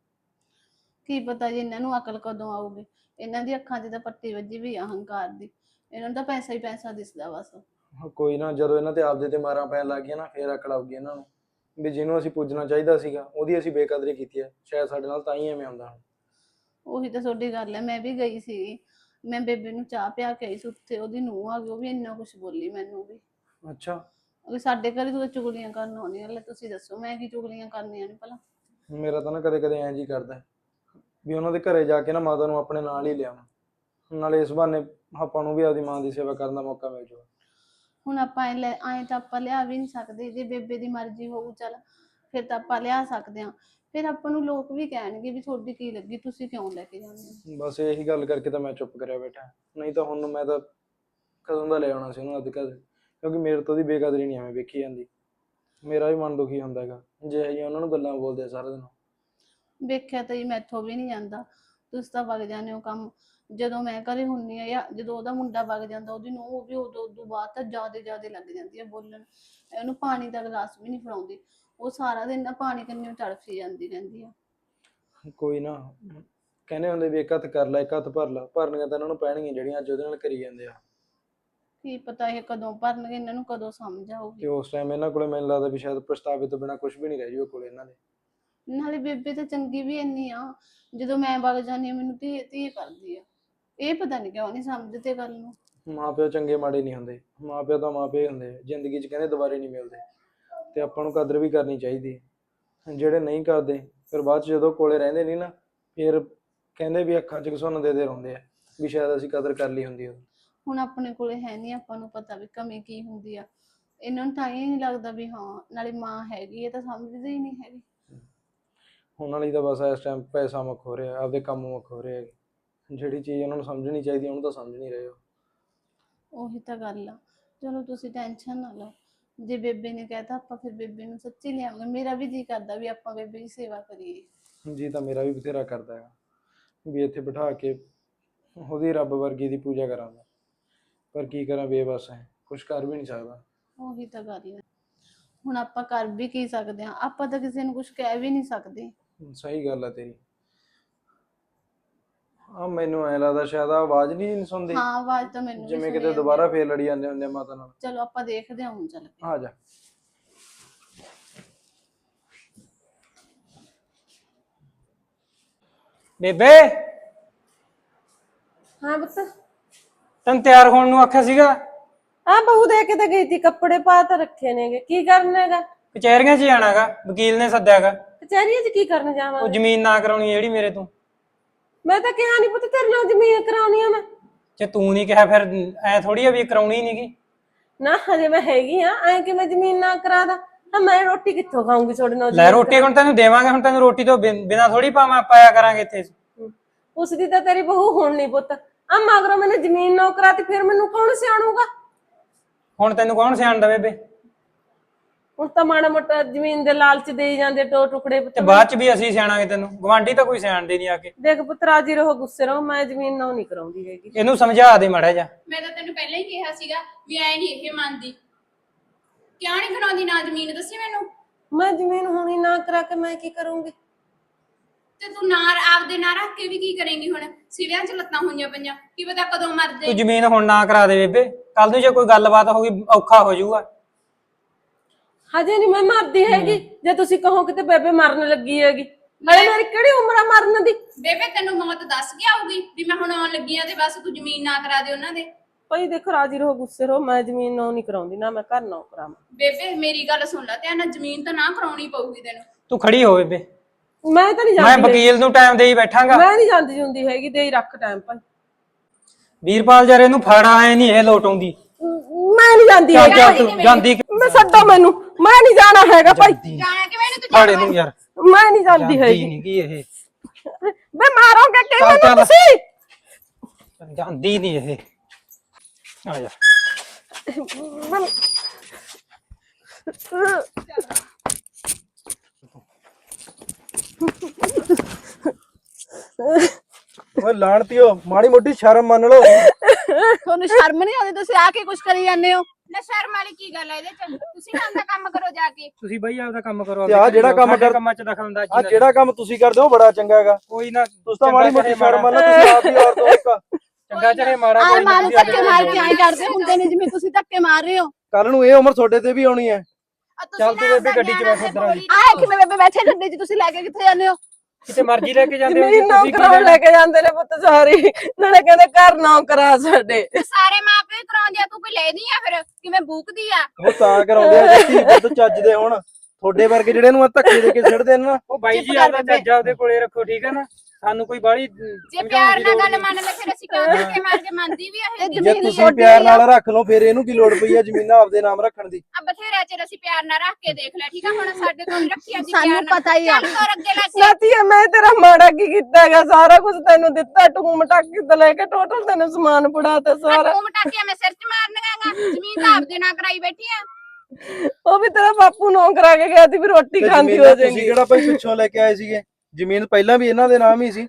Speaker 3: ਕੀ ਪਤਾ ਜੀ ਇਹਨਾਂ ਨੂੰ ਅਕਲ ਕਦੋਂ ਆਊਗੀ। ਇਹਨਾਂ ਦੀ ਅੱਖਾਂ 'ਚ ਤਾਂ ਪੱਟੀ ਵੱਜੀ ਵੀ ਆ ਅਹੰਕਾਰ ਦੀ। ਇਹਨਾਂ ਨੂੰ ਤਾਂ ਪੈਸਾ ਹੀ ਪੈਸਾ ਦਿਸਦਾ ਬਸ।
Speaker 1: ਕੋਈ ਨਾ, ਜਦੋਂ ਇਹਨਾਂ ਤੇ ਆਪਦੇ ਤੇ ਮਾਰਾਂ ਪੈਣ ਲੱਗ ਗਈਆਂ ਨਾ ਫੇਰ ਅਕਲ ਆਊਗੀ ਇਹਨਾਂ ਨੂੰ ਵੀ ਜਿਹਨੂੰ ਅਸੀਂ ਪੁੱਜਣਾ ਚਾਹੀਦਾ ਸੀਗਾ ਉਹਦੀ ਅਸੀਂ ਬੇਕਦਰੀ ਕੀਤੀ ਹੈ। ਸ਼ਾਇਦ ਸਾਡੇ ਨਾਲ ਤਾਂ ਹੀ ਐਵੇਂ ਹੁੰਦਾ ਹੁਣ।
Speaker 3: ਉਹੀ ਤਾਂ ਤੁਹਾਡੀ ਗੱਲ ਹੈ। ਮੈਂ ਵੀ ਗਈ ਸੀ, ਮੈਂ ਬੇਬੇ ਨੂੰ ਚਾਹ ਪਿਆ ਕੇ ਆਈ ਸੀ, ਉੱਥੇ ਉਹਦੀ ਨੂੰਹ ਆ ਗਈ, ਉਹ ਵੀ ਇੰਨਾ ਕੁਛ ਬੋਲੀ ਮੈਨੂੰ ਵੀ।
Speaker 1: ਅੱਛਾ,
Speaker 3: ਉਹ ਸਾਡੇ ਘਰੇ ਤੂੰ ਤਾਂ ਚੁਗਲੀਆਂ ਕਰਨ ਆਉਂਦੀਆਂ, ਲੈ ਤੁਸੀਂ ਦੱਸੋ ਮੈਂ ਕੀ ਚੁਗਲੀਆਂ ਕਰਨੀਆਂ ਨੇ ਭਲਾ।
Speaker 1: ਮੇਰਾ ਤਾਂ ਨਾ ਕਦੇ ਕਦੇ ਐਂ ਜੀ ਕਰਦਾ ਵੀ ਉਹਨਾਂ ਦੇ ਘਰੇ ਜਾ ਕੇ ਨਾ ਮਾਤਾ ਨੂੰ ਆਪਣੇ ਨਾਲ ਹੀ ਲਿਆਵਾਂ, ਨਾਲੇ ਇਸ ਬਹਾਨੇ ਆਪਾਂ ਨੂੰ ਵੀ ਆਪਦੀ ਮਾਂ ਦੀ ਸੇਵਾ ਕਰਨ ਦਾ ਮੌਕਾ ਮਿਲ ਜਾਊਗਾ।
Speaker 3: ਹੁਣ ਆਪਾਂ ਐਂ ਤਾਂ ਆਪਾਂ ਲਿਆ ਵੀ ਨਹੀਂ ਸਕਦੇ, ਜੇ ਬੇਬੇ ਦੀ ਮਰਜ਼ੀ ਹੋਊ ਚੱਲ ਫਿਰ ਤਾਂ ਆਪਾਂ ਲਿਆ ਸਕਦੇ ਹਾਂ। ਫਿਰ ਆਪਾਂ ਨੂੰ ਲੋਕ ਵੀ ਕਹਿਣਗੇ ਵੀ ਤੁਹਾਡੀ ਕੀ ਲੱਗੀ, ਤੁਸੀਂ ਕਿਉਂ ਲੈ ਕੇ ਜਾਂਦੇ ਹੋ।
Speaker 1: ਬਸ ਇਹੀ ਗੱਲ ਕਰਕੇ ਤਾਂ ਮੈਂ ਚੁੱਪ ਕਰਿਆ ਬੈਠਾ, ਨਹੀਂ ਤਾਂ ਹੁਣ ਮੈਂ ਤਾਂ ਕਦੋਂ ਦਾ ਲੈ ਆਉਣਾ ਸੀ ਉਹਨੂੰ ਅੱਜ ਕੱਲ੍ਹ, ਕਿਉਂਕਿ ਮੇਰੇ ਤੋਂ ਉਹਦੀ ਬੇਕਦਰੀ ਨਹੀਂ ਐਵੇਂ ਵੇਖੀ ਜਾਂਦੀ। ਮੇਰਾ ਵੀ ਮਨ ਦੁਖੀ ਹੁੰਦਾ ਹੈਗਾ ਜੇ ਅਸੀਂ ਉਹਨਾਂ ਨੂੰ ਗੱਲਾਂ ਬੋਲਦੇ ਸਾਰਾ ਦਿਨ।
Speaker 3: ਵੇਖਿਆ ਤਾਂ ਜੀ ਮੈਥੋਂ ਵੀ ਨਹੀਂ ਜਾਂਦਾ, ਤੁਸੀਂ ਤਾਂ ਵਗ ਜਾਂਦੇ ਹੋ ਕੰਮ। ਜਦੋਂ ਮੈਂ ਘਰੇ ਹੁੰਨੀ ਆ ਜਾਂ ਜਦੋਂ ਉਹਦਾ ਮੁੰਡਾ ਵਗ ਜਾਂਦਾ ਉਹਦੀ ਨੂੰਹ, ਉਹ ਵੀ ਉਦੋਂ ਬਾਅਦ ਤਾਂ ਜ਼ਿਆਦੇ ਲੱਗ ਜਾਂਦੀ ਹੈ ਬੋਲਣ। ਉਹਨੂੰ ਪਾਣੀ ਦਾ ਗਲਾਸ ਵੀ ਨਹੀਂ ਫੜਾਉਂਦੀ, ਉਹ ਸਾਰਾ ਦਿਨ ਨਾ ਪਾਣੀ ਕੰਨੀ ਤੜਫੀ ਜਾਂਦੀ ਰਹਿੰਦੀ ਆ।
Speaker 1: ਕੋਈ ਨਾ, ਕਹਿੰਦੇ ਹੁੰਦੇ ਵੀ ਇੱਕ ਹੱਥ ਕਰ ਲੈ ਇੱਕ ਹੱਥ ਭਰ ਲਾ, ਭਰਨੀਆਂ ਤਾਂ ਇਹਨਾਂ ਨੂੰ ਪੈਣਗੀਆਂ ਜਿਹੜੀਆਂ ਅੱਜ ਉਹਦੇ ਨਾਲ ਕਰੀ ਜਾਂਦੇ ਆ।
Speaker 3: ਕੀ ਪਤਾ ਇਹ ਕਦੋਂ ਭਰਨਗੇ, ਇਹਨਾਂ ਨੂੰ ਕਦੋਂ ਸਮਝ ਆਊਗੀ।
Speaker 1: ਤੇ ਉਸ ਟਾਈਮ ਇਹਨਾਂ ਕੋਲੇ ਮੈਨੂੰ ਲੱਗਦਾ ਵੀ ਸ਼ਾਇਦ ਪਛਤਾਵੇ ਤੋਂ ਬਿਨਾਂ ਕੁਝ ਵੀ ਨਹੀਂ ਰਹਿ ਜੂਗਾ ਕੋਲੇ ਇਹਨਾਂ ਦੇ।
Speaker 3: ਨਾਲੇ ਬੇਬੇ ਤਾਂ ਚੰਗੀ ਵੀ ਇੰਨੀ ਆ, ਜਦੋਂ ਮੈਂ ਵਗ ਜਾਂਦੀ ਹਾਂ ਮੈਨੂੰ ਧੀ ਕਰਦੀ ਆ। ਇਹ ਪਤਾ ਨਹੀਂ ਕਿਉਂ ਨਹੀਂ ਸਮਝਦੇ ਗੱਲ ਨੂੰ।
Speaker 1: ਮਾਂ ਪਿਓ ਚੰਗੇ ਮਾੜੇ ਨਹੀਂ ਹੁੰਦੇ, ਮਾਂ ਪਿਓ ਤਾਂ ਮਾਂ ਪਿਓ ਹੁੰਦੇ ਆ, ਜ਼ਿੰਦਗੀ 'ਚ ਕਹਿੰਦੇ ਦੁਬਾਰੇ ਨਹੀਂ ਮਿਲਦੇ। ਤੇ ਆਪਾਂ ਨੂੰ ਕਦਰ ਵੀ ਕਰਨੀ ਚਾਹੀਦੀ ਹੈ। ਜਿਹੜੇ ਨਹੀਂ ਕਰਦੇ ਫਿਰ ਬਾਅਦ 'ਚ ਜਦੋਂ ਕੋਲੇ ਰਹਿੰਦੇ ਨਹੀਂ ਨਾ, ਫਿਰ ਕਹਿੰਦੇ ਵੀ ਅੱਖਾਂ 'ਚ ਘਸੁੰਨ ਦੇ ਰਹਿੰਦੇ ਆ ਵੀ ਸ਼ਾਇਦ ਅਸੀਂ ਕਦਰ ਕਰ ਲਈ ਹੁੰਦੀ।
Speaker 3: ਹੁਣ ਆਪਣੇ ਕੋਲੇ ਹੈ ਨਹੀਂ, ਆਪਾਂ ਨੂੰ ਪਤਾ ਵੀ ਕਮੀ ਕੀ ਹੁੰਦੀ ਆ। ਇਹਨਾਂ ਨੂੰ ਤਾਂ ਇਹ ਨਹੀਂ ਲੱਗਦਾ ਵੀ ਹਾਂ ਨਾਲੇ ਮਾਂ ਹੈਗੀ, ਇਹ ਤਾਂ ਸਮਝਦੇ ਹੀ ਨਹੀਂ ਹੈਗੇ।
Speaker 1: ਉਹਨਾਂ ਲਈ ਤਾਂ ਬਸ ਇਸ ਟਾਈਮ ਪੈਸਾ ਮੁੱਖ ਹੋ ਰਿਹਾ, ਆਪਦੇ ਕੰਮ ਮੁੱਖ ਹੋ ਰਹੇ। ਜਿਹੜੀ ਚੀਜ਼ ਉਹਨਾਂ ਨੂੰ ਸਮਝਣੀ ਚਾਹੀਦੀ ਉਹਨੂੰ ਤਾਂ ਸਮਝ ਨਹੀਂ ਰਹੇ ਹੋ।
Speaker 3: ਉਹੀ ਤਾਂ ਗੱਲ ਆ। ਚਲੋ ਤੁਸੀਂ ਟੈਨਸ਼ਨ ਨਾ ਲਓ, ਜੇ ਬੇਬੇ ਨੇ ਕਹਿਤਾ ਆਪਾਂ ਫਿਰ ਬੇਬੇ ਨੂੰ ਸੱਚੀ ਲਿਆਵਾਂਗੇ। ਮੇਰਾ ਵੀ ਜੀ ਕਰਦਾ ਵੀ ਆਪਾਂ ਬੇਬੇ ਦੀ ਸੇਵਾ ਕਰੀਏ।
Speaker 1: ਜੀ ਤਾਂ ਮੇਰਾ ਵੀ ਬਥੇਰਾ ਕਰਦਾ ਹੈ ਵੀ ਇੱਥੇ ਬਿਠਾ ਕੇ ਉਹਦੀ ਰੱਬ ਵਰਗੀ ਦੀ ਪੂਜਾ ਕਰਾਂਗਾ, ਪਰ ਕੀ ਕਰਾਂ, ਬੇਬਸ ਹੈ, ਕੁਝ ਕਰ ਵੀ ਨਹੀਂ ਸਕਦਾ।
Speaker 3: ਉਹੀ ਤਾਂ ਗੱਲ ਹੈ। ਹੁਣ ਆਪਾਂ ਕਰ ਵੀ ਕੀ ਸਕਦੇ ਹਾਂ, ਆਪਾਂ ਤਾਂ ਕਿਸੇ ਨੂੰ ਕੁਝ ਕਹਿ ਵੀ ਨਹੀਂ ਸਕਦੇ।
Speaker 1: ਸਹੀ ਗੱਲ ਆ ਤੇਰੀ। ਆ ਮੈਨੂੰ ਐ ਲੱਗਦਾ ਸ਼ਾਇਦ ਆਵਾਜ਼ ਨਹੀਂ ਸੁਣਦੀ।
Speaker 3: ਹਾਂ ਆਵਾਜ਼ ਤਾਂ ਮੈਨੂੰ ਵੀ
Speaker 1: ਜਿਵੇਂ ਕਿਤੇ ਦੁਬਾਰਾ ਫੇਰ ਲੜੀ ਜਾਂਦੇ ਹੁੰਦੇ ਮਾਤਾ ਨਾਲ।
Speaker 3: ਚਲੋ ਆਪਾਂ ਦੇਖਦੇ ਹਾਂ ਹੁਣ, ਚੱਲ
Speaker 1: ਆ ਜਾ।
Speaker 2: ਬੇਬੇ
Speaker 4: ਹਾਂ ਪੁੱਤ,
Speaker 2: ਤੈਨੂੰ ਤਿਆਰ ਹੋਣ ਨੂੰ ਆਖਿਆ ਸੀਗਾ।
Speaker 4: ਆ ਬਹੂ ਦੇ ਕੇ ਤਾਂ ਗਈ ਤੀ, ਕੱਪੜੇ ਪਾ ਤਾਂ ਰੱਖੇ ਨੇਗੇ। ਕੀ ਕਰਨਾ ਹੈਗਾ?
Speaker 2: ਕਚਹਿਰੀਆਂ 'ਚ ਜਾਣਾਗਾ, ਵਕੀਲ ਨੇ ਸੱਦਿਆਗਾ।
Speaker 4: ਕਚਹਿਰੀਆਂ 'ਚ ਕੀ ਕਰਨ ਜਾਵਾਂ?
Speaker 2: ਉਹ ਜ਼ਮੀਨ ਨਾ ਕਰਾਉਣੀ ਜਿਹੜੀ ਮੇਰੇ ਤੋਂ।
Speaker 4: ਮੈਂ ਤਾਂ ਕਿਹਾ ਨਹੀਂ ਪੁੱਤ ਤੇਰੇ ਨਾਲ ਜ਼ਮੀਨ ਕਰਾਉਣੀ ਆ ਮੈਂ।
Speaker 2: ਜੇ ਤੂੰ ਨਹੀਂ ਕਿਹਾ ਫਿਰ ਐ ਥੋੜੀ ਆ ਵੀ ਕਰਾਉਣੀ ਨਹੀਂਗੀ।
Speaker 4: ਨਾ ਹਜੇ ਮੈਂ ਹੈਗੀ ਆ, ਐ ਕਿ ਮੈਂ ਜ਼ਮੀਨ ਨਾ ਕਰਾ ਦਾ। ਮੈਂ ਰੋਟੀ ਕਿੱਥੋਂ ਖਾਊਂਗੀ ਤੁਹਾਡੇ ਨਾਲ?
Speaker 2: ਲੈ ਰੋਟੀ ਹੁਣ ਤੈਨੂੰ ਦੇਵਾਂਗੇ, ਹੁਣ ਤੈਨੂੰ ਰੋਟੀ ਤੋਂ ਬਿਨਾਂ ਥੋੜੀ ਪਾਇਆ ਕਰਾਂਗੇ ਇੱਥੇ।
Speaker 4: ਉਸਦੀ ਤਾਂ ਤੇਰੀ ਬਹੂ ਹੁਣ ਨਹੀਂ ਪੁੱਤ। ਆ ਮਗਰੋਂ ਮੈਨੂੰ ਜ਼ਮੀਨ ਨਾ ਕਰਾਤੀ, ਫਿਰ ਮੈਨੂੰ ਕੌਣ ਸਿਆਣੂਗਾ?
Speaker 2: ਹੁਣ ਤੈਨੂੰ ਕੌਣ ਸਿਆਣਦਾ ਬੇਬੇ?
Speaker 4: ਹੁਣ ਤਾਂ ਮਾੜਾ ਮੋਟਾ ਜ਼ਮੀਨ ਦੇ ਲਾਲਚ ਦੇਈ ਜਾਂਦੇ ਟੁਕੜੇ।
Speaker 2: ਤੇ ਬਾਅਦ ਚ ਵੀ ਅਸੀਂ ਸਿਆਣਾਂਗੇ ਤੈਨੂੰ, ਗਵਾਂਢੀ ਤਾਂ ਕੋਈ ਸਿਆਣਦੇ ਨਹੀਂ ਆ ਕੇ।
Speaker 4: ਦੇਖ ਪੁੱਤ ਰਾਜੀ ਰਹੋ, ਗੁੱਸੇ ਰਹੋ, ਮੈਂ ਜ਼ਮੀਨ ਨਾ ਨਹੀਂ ਕਰਾਉਂਦੀ ਹੈਗੀ।
Speaker 2: ਇਹਨੂੰ ਸਮਝਾ ਦੇ ਮਾੜਾ ਜਾ।
Speaker 3: ਮੈਂ ਤਾਂ ਤੈਨੂੰ ਪਹਿਲਾਂ ਹੀ ਕਿਹਾ ਸੀਗਾ ਵੀ ਐ ਨਹੀਂ ਇਹ ਮੰਨਦੀ। ਕਿਉਂ ਨਹੀਂ ਕਰਾਉਂਦੀ ਨਾ ਜ਼ਮੀਨ, ਦੱਸੀ ਮੈਨੂੰ।
Speaker 4: ਮੈਂ ਜ਼ਮੀਨ ਹੁਣੀ ਨਾ ਕਰਾ ਕੇ ਮੈਂ ਕੀ ਕਰੂੰਗੀ?
Speaker 3: ਤੇ ਤੂੰ ਨਾ ਆਪਦੇ ਨਾ ਰੱਖ ਕੇ ਵੀ ਕੀ ਕਰੇਂਗੀ? ਹੁਣ ਸਿਵਿਆਂ 'ਚ ਲੱਤਾਂ ਹੋਈਆਂ ਪਈਆਂ, ਕੀ ਪਤਾ ਕਦੋਂ ਮਰ
Speaker 2: ਤੂੰ
Speaker 3: ਜਾਏ।
Speaker 2: ਜ਼ਮੀਨ ਹੁਣ ਨਾ ਕਰਾ ਦੇ ਬੇਬੇ, ਕੱਲ ਨੂੰ ਜੇ ਕੋਈ ਗੱਲਬਾਤ ਹੋ ਗਈ ਔਖਾ ਹੋ ਜਾਊਗਾ।
Speaker 4: ਹਜੇ ਨਹੀਂ ਮੈਂ ਮਰਦੀ ਹੈਗੀ। ਜੇ ਤੁਸੀਂ ਕਹੋ ਕਿਤੇ ਬੇਬੇ ਮਰਨ ਲੱਗੀ ਹੈਗੀ, ਹਲੇ ਮੇਰੀ ਕਿਹੜੀ ਉਮਰ ਆ ਮਰਨ ਦੀ?
Speaker 3: ਬੇਬੇ ਤੈਨੂੰ ਮੌਤ ਦੱਸ ਕੇ ਆਊਗੀ ਵੀ ਮੈਂ ਹੁਣ ਆਉਣ ਲੱਗੀ ਆ ਤੇ ਬਸ ਤੂੰ ਜ਼ਮੀਨ ਨਾ ਕਰਾ ਦੇ ਉਹਨਾਂ ਦੇ।
Speaker 4: ਭਾਈ ਦੇਖੋ ਰਾਜੀ ਰਹੋ, ਗੁੱਸੇ ਰਹੋ, ਮੈਂ ਜ਼ਮੀਨ ਨਾ ਨਹੀਂ ਕਰਾਉਂਦੀ, ਨਾ ਮੈਂ ਘਰ ਨਾ ਕਰਾਵਾਂ।
Speaker 3: ਬੇਬੇ ਮੇਰੀ ਗੱਲ ਸੁਣ ਲੈ ਧਿਆਨ ਨਾਲ, ਜ਼ਮੀਨ ਤਾਂ ਨਾ ਕਰਾਉਣੀ ਪਊਗੀ ਤੈਨੂੰ।
Speaker 2: ਤੂੰ ਖੜੀ ਹੋ ਬੇਬੇ,
Speaker 4: ਮੈਂ ਤਾਂ ਨਹੀਂ
Speaker 2: ਮੈਂ
Speaker 4: ਜਾਂਦੀ।
Speaker 2: ਵਕੀਲ ਨੂੰ ਟਾਈਮ ਦੇਈ ਬੈਠਾਂਗਾ।
Speaker 4: ਮੈਂ ਨਹੀਂ ਜਾਂਦੀ ਜੁੰਦੀ ਹੈਗੀ, ਦੇ ਹੀ ਰੱਖ ਟਾਈਮ ਭਾਈ।
Speaker 2: ਵੀਰਪਾਲ ਜਰੇ ਨੂੰ ਫੜਾ ਐ ਨਹੀਂ ਇਹ ਲੋਟ ਆਉਂਦੀ।
Speaker 4: ਮੈਂ ਨਹੀਂ ਜਾਂਦੀ
Speaker 2: ਚੱਲ
Speaker 4: ਹੈਗੀ।
Speaker 2: ਚੱਲ ਤੂੰ ਜਾਂਦੀ
Speaker 4: ਮੈਂ ਛੱਡੋ ਮੈਨੂੰ, ਮੈਂ ਨਹੀਂ ਜਾਣਾ ਹੈਗਾ ਭਾਈ,
Speaker 5: ਜਾਣਾ ਕਿਵੇਂ ਨੀ ਤੂੰ
Speaker 2: ਫੜ ਇਹਨੂੰ ਯਾਰ,
Speaker 4: ਮੈਂ ਨਹੀਂ ਜਾਂਦੀ ਹੈਗੀ।
Speaker 2: ਨਹੀਂ ਕੀ ਇਹ
Speaker 4: ਬੇ ਮਾਰੋਗੇ ਕਿ
Speaker 2: ਚੱਲ,
Speaker 4: ਮੈਨੂੰ
Speaker 2: ਚੱਲ।
Speaker 4: ਤੁਸੀਂ?
Speaker 2: ਜਾਂਦੀ ਨਹੀਂ ਇਹ। ਆ ਜਾ
Speaker 1: ਓਏ ਲਾਣਤੀਓ ਮਾੜੀ ਮੋਟੀ ਸ਼ਰਮ ਮੰਨ ਲਓ।
Speaker 3: ਤੁਹਾਨੂੰ ਸ਼ਰਮ ਨਹੀਂ ਆਉਂਦੀ? ਤੁਸੀਂ ਆ ਕੇ ਕੁਝ ਕਰੀ ਜਾਂਦੇ ਹੋ।
Speaker 5: ਨਾ ਸ਼ਰਮ ਵਾਲੀ ਕੀ ਗੱਲ ਹੈ ਇਹਦੇ ਚ? ਤੁਸੀਂ ਨਾ ਆਪਦਾ ਕੰਮ ਕਰੋ ਜਾ ਕੇ।
Speaker 2: ਤੁਸੀਂ ਬਈ ਆਪਦਾ ਕੰਮ ਕਰੋ।
Speaker 1: ਤੇ ਆਹ ਜਿਹੜਾ ਕੰਮ ਕਰ-
Speaker 2: ਕੰਮਾਂ ਚ ਦਖਲ ਅੰਦਾਜ਼ੀ
Speaker 1: ਆ
Speaker 2: ਨਾ
Speaker 1: ਜਿਹੜਾ ਕੰਮ ਤੁਸੀਂ ਕਰਦੇ ਹੋ ਬੜਾ ਚੰਗਾ ਹੈਗਾ।
Speaker 2: ਕੋਈ ਨਾ,
Speaker 1: ਤੁਸੀਂ ਤਾਂ ਮਾੜੀ ਮੋਟੀ ਸ਼ਰਮ ਮੰਨ ਲਓ, ਤੁਸੀਂ ਆਪ ਹੀ ਔਰਤ ਹੋ ਇੱਕ।
Speaker 2: ਚੰਗਾ ਚਾਹੇ ਮਾੜਾ,
Speaker 3: ਆਹ
Speaker 2: ਕੋਈ
Speaker 3: ਮਾਂ ਨੂੰ
Speaker 2: ਨਾ
Speaker 3: ਧੱਕੇ ਮਾਰ ਕੇ ਆਏ ਕਰਦੇ ਹੁੰਦੇ ਨੇ ਜਿਵੇਂ ਤੁਸੀਂ ਧੱਕੇ ਮਾਰ ਰਹੇ ਹੋ।
Speaker 1: ਕੱਲ ਨੂੰ ਇਹ ਉਮਰ ਤੁਹਾਡੇ ਤੇ ਵੀ ਆਉਣੀ ਹੈ।
Speaker 5: ਆ ਤੁਸੀਂ
Speaker 2: ਚੱਲ ਤੂੰ
Speaker 5: ਨਾ
Speaker 2: ਬੇਬੇ
Speaker 5: ਆਪਦਾ
Speaker 2: ਗੱਡੀ ਚ
Speaker 5: ਗਿਆਨ
Speaker 2: ਬੈਠ ਇੱਧਰ ਆ
Speaker 5: ਬੋਲੀ
Speaker 2: ਜੀ।
Speaker 3: ਆਹ ਕਿਵੇਂ ਬੇਬੇ ਬੈਠੇ ਗੱਡੀ 'ਚ, ਤੁਸੀਂ ਲੈ ਕੇ ਕਿੱਥੇ ਜਾਂਦੇ ਹੋ?
Speaker 2: ਕਿਤੇ ਮਰਜ਼ੀ ਲੈ ਕੇ ਜਾਂਦੇ ਹੋ
Speaker 4: ਜ਼ਮੀਨ
Speaker 2: ਤੁਸੀਂ, ਕੀ
Speaker 4: ਨੌਕਰਾਂ ਲੈ ਕੇ ਜਾਂਦੇ ਨੇ ਪੁੱਤ ਸਾਰੀ, ਨਾਲੇ ਕਹਿੰਦੇ ਘਰ ਨੌਕਰਾ ਸਾਡੇ।
Speaker 5: ਤੇ ਸਾਰੇ ਮਾਪੇ ਹੀ ਕਰਾਉਂਦੇ ਆ, ਤੂੰ ਕੋਈ ਲੈਦੀ ਆ ਫਿਰ ਕਿਵੇਂ ਬੂਕਦੀ ਆ?
Speaker 1: ਉਹ ਤਾਂ ਕਰਾਉਂਦੇ ਆ ਜੇ ਧੀ ਪੁੱਤ ਚੱਜਦੇ ਹੁਣ। ਤੁਹਾਡੇ ਵਰਗੇ ਜਿਹੜੇ ਨੂੰ ਧੱਕੇ ਦੇ ਕੇ ਛੱਡਦੇ ਨੇ ਨਾ।
Speaker 2: ਉਹ ਬਾਈ
Speaker 3: ਚੁੱਪ
Speaker 2: ਜੀ
Speaker 3: ਕਰ
Speaker 2: ਆਪਦਾ
Speaker 3: ਬੇਬੇ।
Speaker 2: ਚੱਜਾ ਉਹਦੇ ਕੋਲੇ ਰੱਖੋ, ਠੀਕ ਹੈ ਨਾ? ਸਾਨੂੰ ਕੋਈ ਬਾਹਲੀ
Speaker 5: ਜੇ ਪਿਆਰ ਨਾਲ ਗੱਲ ਮੰਨ ਲੈ ਫਿਰ ਅਸੀਂ ਕਿਉਂ ਧੱਕੇ ਮਾਰ ਕੇ ਮੰਨਦੀ ਵੀ
Speaker 3: ਇਹ
Speaker 5: ਇਹ
Speaker 1: ਜੇ
Speaker 3: ਜ਼ਮੀਨ
Speaker 1: ਤੁਸੀਂ
Speaker 3: ਤੁਹਾਡੀ
Speaker 1: ਪਿਆਰ
Speaker 3: ਆ।
Speaker 1: ਨਾਲ ਰੱਖ ਲਓ ਫਿਰ ਇਹਨੂੰ ਕੀ ਲੋੜ ਪਈ ਆ ਜ਼ਮੀਨਾਂ ਆਪਦੇ ਨਾਮ ਰੱਖਣ ਦੀ।
Speaker 5: ਆ ਬਥੇਰਾ ਚਿਰ ਅਸੀਂ ਪਿਆਰ ਨਾਲ ਰੱਖ ਕੇ ਦੇਖ ਲਿਆ, ਠੀਕ ਆ? ਹੁਣ ਸਾਡੇ ਕੋਲ ਰੱਖਿਆ ਸੀ
Speaker 3: ਸਾਨੂੰ
Speaker 5: ਪਿਆਰ ਨਾਲ।
Speaker 3: ਪਤਾ ਹੀ ਆ।
Speaker 5: ਚੱਲ ਤੋਰ ਅੱਗੇ ਲੈ ਕੇ।
Speaker 4: ਨਾਤੀਏ ਮੈਂ ਤੇਰਾ ਮਾੜਾ ਕੀ ਕੀਤਾ ਹੈਗਾ? ਸਾਰਾ ਕੁਝ ਤੈਨੂੰ ਦਿੱਤਾ, ਟੂਮ ਟਾਕੀ ਤੋਂ ਲੈ ਕੇ ਟੋਟਲ ਤੈਨੂੰ ਸਮਾਨ ਫੜਾਤਾ ਸਾਰਾ।
Speaker 5: ਤੂੰ ਮਟਾਕਿਆ ਮੈਂ ਸਿਰ 'ਚ ਮਾਰਨਗਾਗਾ, ਜ਼ਮੀਨ ਤਾਂ ਆਪਦੇ ਨਾਲ ਕਰਾਈ ਬੈਠੀ ਆ।
Speaker 4: ਉਹ ਵੀ ਤੇਰਾ ਬਾਪੂ ਨੌ ਕਰਾ ਕੇ ਗਿਆ ਸੀ ਵੀ ਰੋਟੀ
Speaker 1: ਤੇ
Speaker 4: ਖਾਂਦੀ
Speaker 1: ਜ਼ਮੀਨਾਂ
Speaker 4: ਹੋ
Speaker 1: ਤੁਸੀਂ
Speaker 4: ਜਾਏਗੀ।
Speaker 1: ਕਿਹੜਾ ਭਾਈ ਪਿੱਛੋਂ ਲੈ ਕੇ ਆਏ ਸੀਗੇ? ਜ਼ਮੀਨ ਪਹਿਲਾਂ ਵੀ ਇਹਨਾਂ ਦੇ ਨਾਮ ਹੀ ਸੀ।